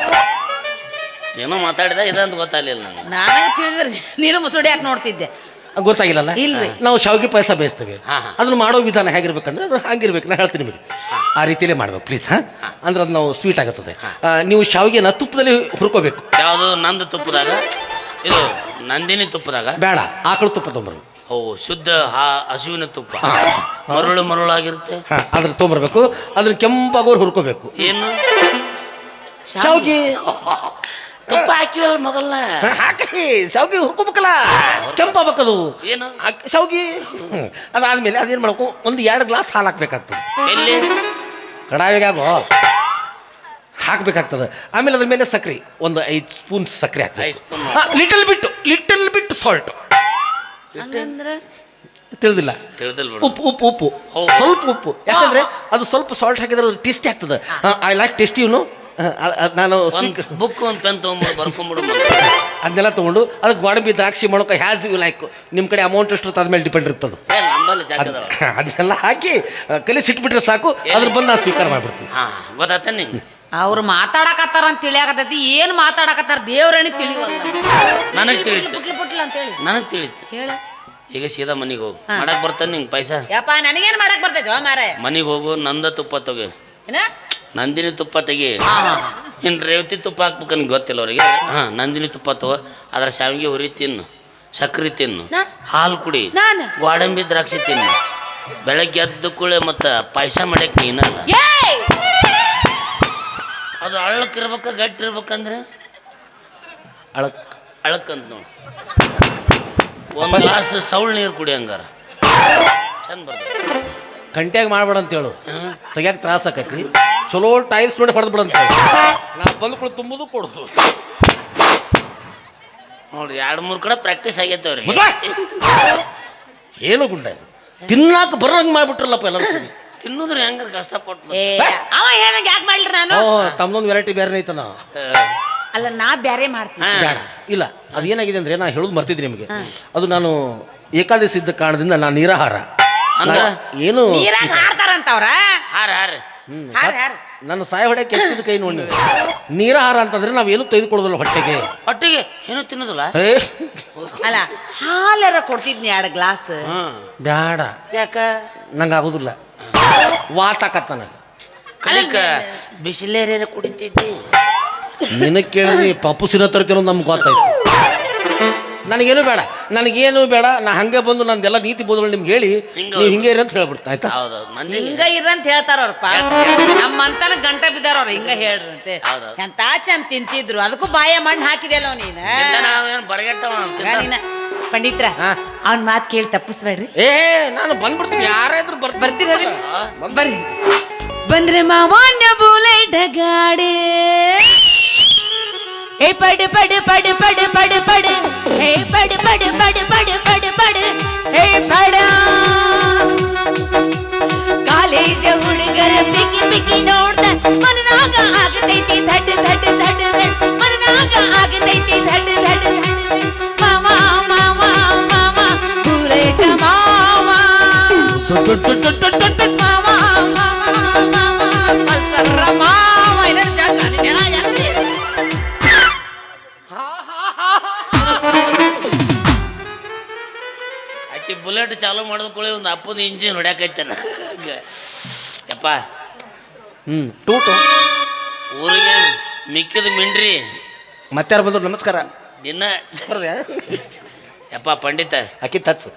[SPEAKER 1] ಏನೋ ಮಾತಾಡಿದ ಇದಂತ ಗೊತ್ತಾಗಲಿಲ್ಲ ನನಗೆ.
[SPEAKER 3] ನಾನು ತಿಳಿದ್ರೆ ನೀನು ಮುಸುಡಿ ಯಾಕೆ ನೋಡ್ತಿದ್ದೆ?
[SPEAKER 2] ಗೊತ್ತಾಗಿಲ್ಲಲ್ಲ.
[SPEAKER 3] ಇಲ್ರಿ.
[SPEAKER 2] ನಾವು ಶಾವಿಗೆ ಪಾಯಸ ಬೇಯಿಸ್ತೇವೆ.
[SPEAKER 1] ಹಾ, ಹಾ.
[SPEAKER 2] ಅದನ್ನ ಮಾಡೋ ವಿಧಾನ ಹೇಗಿರ್ಬೇಕಂದ್ರೆ ಅದು ಹಂಗಿರ್ಬೇಕು. ನಾನು ಹೇಳ್ತೀನಿ ನಿಮಗೆ, ಆ ರೀತಿಯಲ್ಲೇ ಮಾಡ್ಬೇಕು ಪ್ಲೀಸ್. ಹಾ, ಅಂದ್ರೆ ಅದು ನಾವು ಸ್ವೀಟ್ ಆಗುತ್ತದೆ. ಆ, ನೀವು ಶಾವಿಗೆನ ತುಪ್ಪದಲ್ಲಿ ಹುರ್ಕೋಬೇಕು.
[SPEAKER 1] ಯಾವುದು? ನಂದು ತುಪ್ಪದಾಗ? ಇದು ನಂದಿನಿ ತುಪ್ಪದಾಗ?
[SPEAKER 2] ಬೇಡ, ಆಕಳು ತುಪ್ಪ ತೊಂಬರ್ಬೇಕು.
[SPEAKER 1] ಓ, ಶುದ್ಧ ಹ- ಹಸುವಿನ ತುಪ್ಪ, ಮರುಳು ಮರುಳಾಗಿರುತ್ತೆ.
[SPEAKER 2] ಹಾ, ಅದ್ರ ತೊಂಬರ್ಬೇಕು. ಅದನ್ನ ಕೆಂಪಾಗೋರು ಹುರ್ಕೋಬೇಕು.
[SPEAKER 1] ಏನು
[SPEAKER 2] ಶಾವಿಗೆ
[SPEAKER 1] ತುಪ್ಪ ಹಾಕಿವಲ್ಲ ಮೊದಲನ?
[SPEAKER 2] ಹಾಕಿ ಶಾವಿಗೆ ಹುರ್ಕೋಬೇಕಲ್ಲ, ಕೆಂಪಾಗಬೇಕದು
[SPEAKER 1] ಏನು
[SPEAKER 2] ಶಾವಿಗೆ. ಅದಾದ್ಮೇಲೆ ಅದೇನು ಮಾಡ್ಬೇಕು, ಒಂದು ಎರಡು ಗ್ಲಾಸ್ ಹಾಲು ಹಾಕ್ಬೇಕಾಗ್ತದೆ.
[SPEAKER 1] ಎಲ್ಲಿ?
[SPEAKER 2] ಕಡಾಯಿಗಾಗೋ ಹಾಕ್ಬೇಕಾಗ್ತದೆ. ಆಮೇಲೆ ಅದ್ರ ಮೇಲೆ ಸಕ್ರೆ ಒಂದು ಐದು ಸ್ಪೂನ್ ಸಕ್ರೆ ಹಾಕ್ಬೇಕು.
[SPEAKER 1] ಐದು spoon.
[SPEAKER 2] Little bit little bit salt.
[SPEAKER 3] ಹಂಗಂದ್ರ
[SPEAKER 2] ತಿಳಿದಿಲ್ಲ?
[SPEAKER 1] ತಿಳಿದಿಲ್ಲ ಬಿಡು.
[SPEAKER 2] ಉಪ್ಪು ಉಪ್ಪು ಉಪ್ಪು
[SPEAKER 1] ಹೌದು.
[SPEAKER 2] ಸ್ವಲ್ಪ ಉಪ್ಪು. ಯಾಕಂದ್ರೆ ಅದು ಸ್ವಲ್ಪ ಸಾಲ್ಟ್ ಹಾಕಿದ್ರೆ ಅದು ಟೇಸ್ಟಿ ಆಗ್ತದೆ. ಐ ಲೈಕ್ ಟೇಸ್ಟಿ ಇವನು. ನಾನು
[SPEAKER 1] ಒಂದು ಬುಕ್ ಒಂದು ಪೆನ್ ತೊಗೊಂಡು ಬರ್ಕೊಂಬಿಡು.
[SPEAKER 2] ಅದನ್ನೆಲ್ಲ ತೊಗೊಂಡು ಅದಕ್ಕೆ ಗೋಡಂಬಿ ದ್ರಾಕ್ಷಿ ಮಾಡೋಕೆ ಹ್ಯಾಸ್ ಯು ಲೈಕ್. ನಿಮ್ಮ ಕಡೆ ಅಮೌಂಟ್ ಎಷ್ಟು ಇರ್ತದೆ ಅದ್ಮೇಲೆ ಡಿಪೆಂಡ್ ಇರ್ತದೆ.
[SPEAKER 1] ನಂಬಲ್ಲಿ ಜಾಗದವ.
[SPEAKER 2] ಅದನ್ನೆಲ್ಲ ಹಾಕಿ ಕಲಿ ಸಿಟ್ಬಿಟ್ರೆ ಸಾಕು, ಅದ್ರ ಬಂದು ನಾನು ಸ್ವೀಕಾರ ಮಾಡ್ಬಿಡ್ತೀನಿ.
[SPEAKER 1] ಹಾ, ಗೊತ್ತಾತ ನಿಂಗೆ?
[SPEAKER 3] ಅವ್ರು ಮಾತಾಡಕತ್ತಾರ ಅಂತ ತಿಳಿಯಾಕತ್ತೈತಿ. ಏನ್ ಮಾತಾಡಕತ್ತಾರ ದೇವ್ರಣಿ ತಿಳಿವಲ್ಲ.
[SPEAKER 1] ನನಗೆ ತಿಳಿತು,
[SPEAKER 3] ಪುಟ್ಲಿ ಪುಟ್ಲ ಅಂತ ಹೇಳಿ
[SPEAKER 1] ನನಗೆ ತಿಳಿತು.
[SPEAKER 3] ಹೇಳ.
[SPEAKER 1] ಈಗ ಸೀದಾ ಮನೆಗೆ ಹೋಗು. ಮಾಡಕ್ ಬರ್ತಾನೆ ನಿಂಗೆ ಪಾಯಸ?
[SPEAKER 3] ಯಪ್ಪ ನನಗೇನ್ ಮಾಡಕ್ ಬರ್ತೈತಿ ಮಾರ?
[SPEAKER 1] ಮನೆಗೆ ಹೋಗು, ನಂದ ತುಪ್ಪ ತೆಗಿ,
[SPEAKER 3] ಏನ
[SPEAKER 1] ನಂದಿನಿ ತುಪ್ಪ ತೆಗಿ. ಇನ್ನು ರೇವತಿ ತುಪ್ಪ ಹಾಕ್ಬೇಕು ನನಗೆ ಗೊತ್ತಿಲ್ಲ ಅವ್ರಿಗೆ. ಹಾ, ನಂದಿನಿ ತುಪ್ಪ ತಗೋ, ಅದ್ರ ಶಾವಿಗೆ ಹುರಿ ತಿನ್ನು, ಸಕ್ರೆ ತಿನ್ನು,
[SPEAKER 3] ನಾ?
[SPEAKER 1] ಹಾಲು ಕುಡಿ,
[SPEAKER 3] ನಾನು
[SPEAKER 1] ಗೋಡಂಬಿ ದ್ರಾಕ್ಷಿ ತಿನ್ನು. ಬೆಳಗ್ಗೆ ಎದ್ದು ಕೂಳೆ ಮತ್ತು ಪಾಯಸ ಮಾಡಕ್ ನೀನಲ್ಲ.
[SPEAKER 3] ಏಯ್!
[SPEAKER 1] ಅದು ಅಳ್ಳಕ್ ಇರ್ಬೇಕ ಗಟ್ಟಿ ಇರ್ಬೇಕಂದ್ರೆ
[SPEAKER 2] ಅಳಕ್
[SPEAKER 1] ಅಳಕ್ಕಂತ ನೋಡಿ. ಒಂದು ಗ್ಲಾಸ್ ಸೌಳ್ ನೀರು ಕುಡಿ, ಹಂಗಾರ ಚಂದ ಬರ್ತದೆ.
[SPEAKER 2] ಗಂಟೆಗೆ ಮಾಡ್ಬೇಡ ಅಂತ ಹೇಳು,
[SPEAKER 1] ಹ್ಮ್.
[SPEAKER 2] ತೆಗಿಯಕ್ಕೆ ತ್ರಾಸ ಆಕೈತಿ. ಚಲೋ ಟೈಲ್ಸ್ ನೋಡಿ ಹೊಡೆದು ಬಿಡಂತ ನಾ ಬಂದ್ಕೊಂಡು ತುಂಬುದು ಕೊಡುದು.
[SPEAKER 1] ನೋಡ್ರಿ, ಎರಡು ಮೂರು ಕಡೆ ಪ್ರಾಕ್ಟೀಸ್ ಆಗೈತೆ ಅವ್ರಿಗೆ.
[SPEAKER 2] ಏನು ಗುಂಡ ತಿನ್ನಾಕ ಬರಂಗ್ ಮಾಡ್ಬಿಟ್ರಲ್ಲಪ್ಪ ಎಲ್ಲ.
[SPEAKER 1] ತಿನ್ನೋದ್ರಿ ಹೆಂಗಾರ ಕಷ್ಟಪಟ್ಟು.
[SPEAKER 3] ಏ, ಅವ ಹೇಳ್ದಂಗೆ ಯಾಕೆ ಮಾಡ್ಲಿ ನಾನು?
[SPEAKER 2] ಓ, ತಮ್ಮದೊಂದು ವೆರೈಟಿ ಬೇರೆ ಐತನ.
[SPEAKER 3] ಅಲ್ಲ, ನಾ ಬ್ಯಾರೆ ಮಾಡ್ತೀನಿ.
[SPEAKER 2] ಬೇಡ, ಇಲ್ಲ. ಅದೇನಾಗಿದೆ ಅಂದ್ರೆ ನಾ ಹೇಳೋದು ಮರ್ತಿದ್ದೆ ನಿಮಗೆ. ಅದು ನಾನು ಏಕಾದಶಿ ಇದ್ದ ಕಾರಣದಿಂದ ನಾನು ನೀರಾಹಾರ.
[SPEAKER 1] ಅಂದ್ರ
[SPEAKER 2] ಏನು
[SPEAKER 3] ನೀರಾಗ ಹಾರ್ತಾರಂತ ಅವ್ರ.
[SPEAKER 1] ಹಾರ ಹಾರ
[SPEAKER 2] ಹ್ಮ್,
[SPEAKER 3] ಹಾರ ಹಾರ
[SPEAKER 2] ನನ್ನ ಸಾಯ ಹೊಡೆಯಕ್ಕೆ ಎತ್ತಿದ ಕೈ ನೋಡಿ. ನೀರಾಹಾರ ಅಂತಂದ್ರೆ ನಾವೇನು ತೆಗೆದುಕೊಳ್ಳೋದಿಲ್ಲ ಹೊಟ್ಟೆಗೆ.
[SPEAKER 1] ಒಟ್ಟಿಗೆ ಏನು ತಿನ್ನೋದಿಲ್ಲ.
[SPEAKER 2] ಏ,
[SPEAKER 3] ಅಲ್ಲ, ಹಾಲರ ಕೊಡ್ತಿದ್ನಿ ಎರಡು ಗ್ಲಾಸ್.
[SPEAKER 1] ಹ್ಮ್.
[SPEAKER 2] ಬ್ಯಾಡ,
[SPEAKER 1] ಯಾಕ?
[SPEAKER 2] ನಂಗೆ ಆಗೋದಿಲ್ಲ. ವಾತಾಕತ್ತ ನನಗೆ.
[SPEAKER 1] ಕಲಿಕ ಬಿಸಿಲೇರ ಕುಡಿತಿದ್ದಿ.
[SPEAKER 2] ನಿನಗೆ ಕೇಳಿದ್ರಿ ಪಪ್ಪು ಸಿನ ತರ್ತೀನೋ ನಮ್ಗೆ ಗೊತ್ತಾಯ್ತು. ನನಗೇನು ಬೇಡ, ನನಗೇನು ಬೇಡ. ನಾ ಹಂಗೆ ಬಂದು ನಂದೆಲ್ಲ ನೀತಿ ಬೋಧಗಳು ನಿಮ್ಗೆ ಹೇಳಿ ನೀವು ಹಿಂಗೆ ಇರಿ ಅಂತ ಹೇಳ್ಬಿಡ್ತಾ ಆಯ್ತಾ?
[SPEAKER 1] ಹೌದೌದು, ಮಂದಿ
[SPEAKER 3] ಹಿಂಗ ಇರಂತ ಹೇಳ್ತಾರ ಅವ್ರಪ್ಪ. ನಮ್ಮಂತನ ಗಂಟ ಬಿದ್ದಾರ ಅವ್ರ. ಹಿಂಗ ಹೇಳ್ರಂತೆ.
[SPEAKER 1] ಹೌದೌದು.
[SPEAKER 3] ಎಂತ ಚಂದ ತಿಂತಿದ್ರು, ಅದಕ್ಕೂ ಬಾಯ ಮಣ್ಣು ಹಾಕಿದೆಲ್ಲ ನೀನ.
[SPEAKER 1] ನಾವೇನು ಬರಗೆಟ್ಟವ
[SPEAKER 3] ಈಗ ನೀನ ಪಂಡಿತ್ರ
[SPEAKER 2] ಹಾ.
[SPEAKER 3] ಅವನ್ ಮಾತು ಕೇಳಿ ತಪ್ಪಿಸ್ಬೇಡ್ರಿ.
[SPEAKER 2] ಏ, ನಾನು ಬಂದ್ಬಿಡ್ತೀನಿ. ಯಾರಾದ್ರೂ ಬರ್
[SPEAKER 3] ಬರ್ತೀರಿ? ಬರ್ರಿ. ಬಂದ್ರೆ ಮಾವನ್ನ ಬುಲೆಟ್ ಗಾಡಿ. ಏ ಪಡೆ ಪಡೆ ಪಡೆ ಪಡೆ ಪಡೆ ಪಡೆ ಹೇ ಪಡೆ ಪಡೆ ಪಡೆ ಪಡೆ ಪಡೆ ಪಡೆ ಹೇ ಪಡ. ಕಾಲೇಜ ಹುಡುಗರ ಪಿಕ್ಕಿ ಪಿಕ್ಕಿ ನೋಡ್ದ ಮನನಾಗ ಆಗತೈತಿ ಧಡ್ ಧಡ್ ಧಡ್ ಧಡ್. ಮನನಾಗ ಆಗತೈತಿ ಧಡ್ ಧಡ್ ಧಡ್. ಮಾವ ಮಾವ ಮಾವ ಬುಲೆಟ್ ಮಾವ. ಮಾವ ಮಾವ ಮಾವ ಪಲ್ಸರ ಮಾವ. ಇದರ ಜಾಗ ನೆಲ ಯಾಕೆ?
[SPEAKER 1] ಆಕಿ ಬುಲೆಟ್ ಚಾಲು ಮಾಡಿದ ಕೂಡಲೇ ಒಂದು ಅಪ್ಪನ ಇಂಜಿನ್ ಹೊಡ್ಯಾಕೈತೇನ. ಯಪ್ಪ,
[SPEAKER 2] ಹ್ಞೂ ಟೂಟು
[SPEAKER 1] ಊರಿಗೆ ಮಿಕ್ಕಿದ ಮಿಂಡ್ರಿ
[SPEAKER 2] ಮತ್ತಾರು ಬಂದ್ರು ನಮಸ್ಕಾರ.
[SPEAKER 1] ದಿನ. ಯಪ್ಪ ಪಂಡಿತ,
[SPEAKER 2] ಅಕ್ಕಿ ತಚ್ಚು.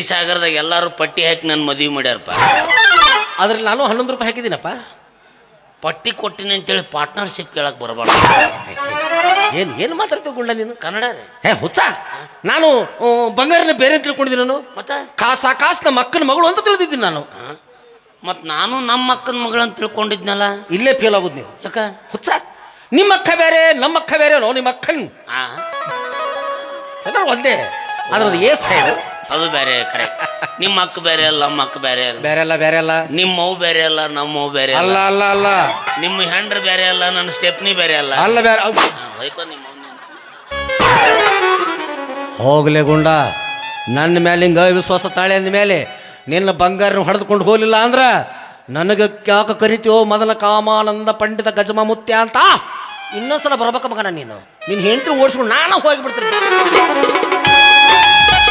[SPEAKER 1] ಗಿರಿಸಾಗರದಾಗ ಎಲ್ಲಾರು ಪಟ್ಟಿ ಹಾಕಿ ನನ್ನ ಮದುವೆ ಮಾಡ್ಯಾರಪ್ಪ.
[SPEAKER 2] ಅದ್ರಲ್ಲಿ ನಾನು ಹನ್ನೊಂದು ರೂಪಾಯಿ ಹಾಕಿದ್ದೀನಪ್ಪ.
[SPEAKER 1] ಪಟ್ಟಿ ಕೊಟ್ಟಿನಿ ಅಂತೇಳಿ ಪಾರ್ಟ್ನರ್ಶಿಪ್ ಕೇಳಕ್ ಬರಬಾರ್ದು.
[SPEAKER 2] ಏನು ಏನು ಮಾತಾಡ್ತೀವಿ ಗುಂಡ ನೀನು?
[SPEAKER 1] ಕನ್ನಡ ರೀ.
[SPEAKER 2] ಹೇ ಹುಚ್ಚ, ನಾನು ಆ, ಬಂಗಾರನ ಬೇರೆ ಅಂತ ತಿಳ್ಕೊಂಡಿದ್ದೀನಿ. ನಾನು
[SPEAKER 1] ಮತ್ತೆ
[SPEAKER 2] ಕಾಸ ಕಾಸು ನಮ್ಮ ಅಕ್ಕನ ಮಗಳು ಅಂತ ತಿಳಿದಿದ್ದೀನಿ ನಾನು.
[SPEAKER 1] ಮತ್ತು ನಾನು ನಮ್ಮ ಅಕ್ಕನ ಮಗಳಂತ ತಿಳ್ಕೊಂಡಿದ್ನಲ್ಲ. ಇಲ್ಲೇ
[SPEAKER 2] ಫೇಲ್ ಆಗೋದು ನೀವು.
[SPEAKER 1] ಯಾಕ?
[SPEAKER 2] ಹುಚ್ಚ, ನಿಮ್ಮ ಅಕ್ಕ ಬೇರೆ ನಮ್ಮ ಅಕ್ಕ ಬೇರೆ ನೋ ನಿಮ್ಮ ಅಕ್ಕನ್
[SPEAKER 1] ಆ
[SPEAKER 2] ಯಾಕಂದ್ರೆ ಒಂದೇ ಅದ್ರದ್ದು ಏ ಸೈಡ್
[SPEAKER 1] ಅದು ಬೇರೆ ಕರೆ. ನಿಮ್ಮ ಅಕ್ಕ ಬೇರೆ ಅಲ್ಲ, ನಮ್ಮ ಅಕ್ಕ ಬೇರೆ ಅಲ್ಲ.
[SPEAKER 2] ಬೇರೆ ಅಲ್ಲ ಬೇರೆ ಅಲ್ಲ.
[SPEAKER 1] ನಿಮ್ಮ ಮೌ ಬೇರೆ ಅಲ್ಲ, ನಮ್ಮ ಮೌ ಬೇರೆ
[SPEAKER 2] ಅಲ್ಲ ಅಲ್ಲ ಅಲ್ಲ.
[SPEAKER 1] ನಿಮ್ಮ ಹೆಂಡ್ರ ಬೇರೆ ಅಲ್ಲ, ನನ್ನ ಸ್ಟೆಪ್ನಿ ಬೇರೆ ಅಲ್ಲ.
[SPEAKER 2] ಅಲ್ಲ ಬೇರೆ.
[SPEAKER 1] ಹಾ, ಹೊಯ್ಕೊ ನಿಮ್ಮ ಅವ್ನ.
[SPEAKER 2] ಹೋಗ್ಲೆ ಗುಂಡ, ನನ್ನ ಮೇಲೆ ಹಿಂಗ ವಿಶ್ವಾಸ ತಾಳೆ ಅಂದ ಮೇಲೆ ನಿನ್ನ ಬಂಗಾರನ ಹೊಡೆದುಕೊಂಡು ಹೋಗಲಿಲ್ಲ ಅಂದ್ರ ನನಗೆ ಯಾಕೆ ಕರಿತೀವೋ ಮೊದಲ ಕಾಮಾನಂದ ಪಂಡಿತ ಗಜಮ ಮುತ್ಯ ಅಂತ ಇನ್ನೊಂದ್ಸಲ ಬರ್ಬೇಕ ಮಗನ. ನೀನು ನಿನ್ನ ಹೆಂಡತಿ ಓಡಿಸ್ಕೊಂಡು ನಾನು ಹೋಗಿಬಿಡ್ತೀನಿ.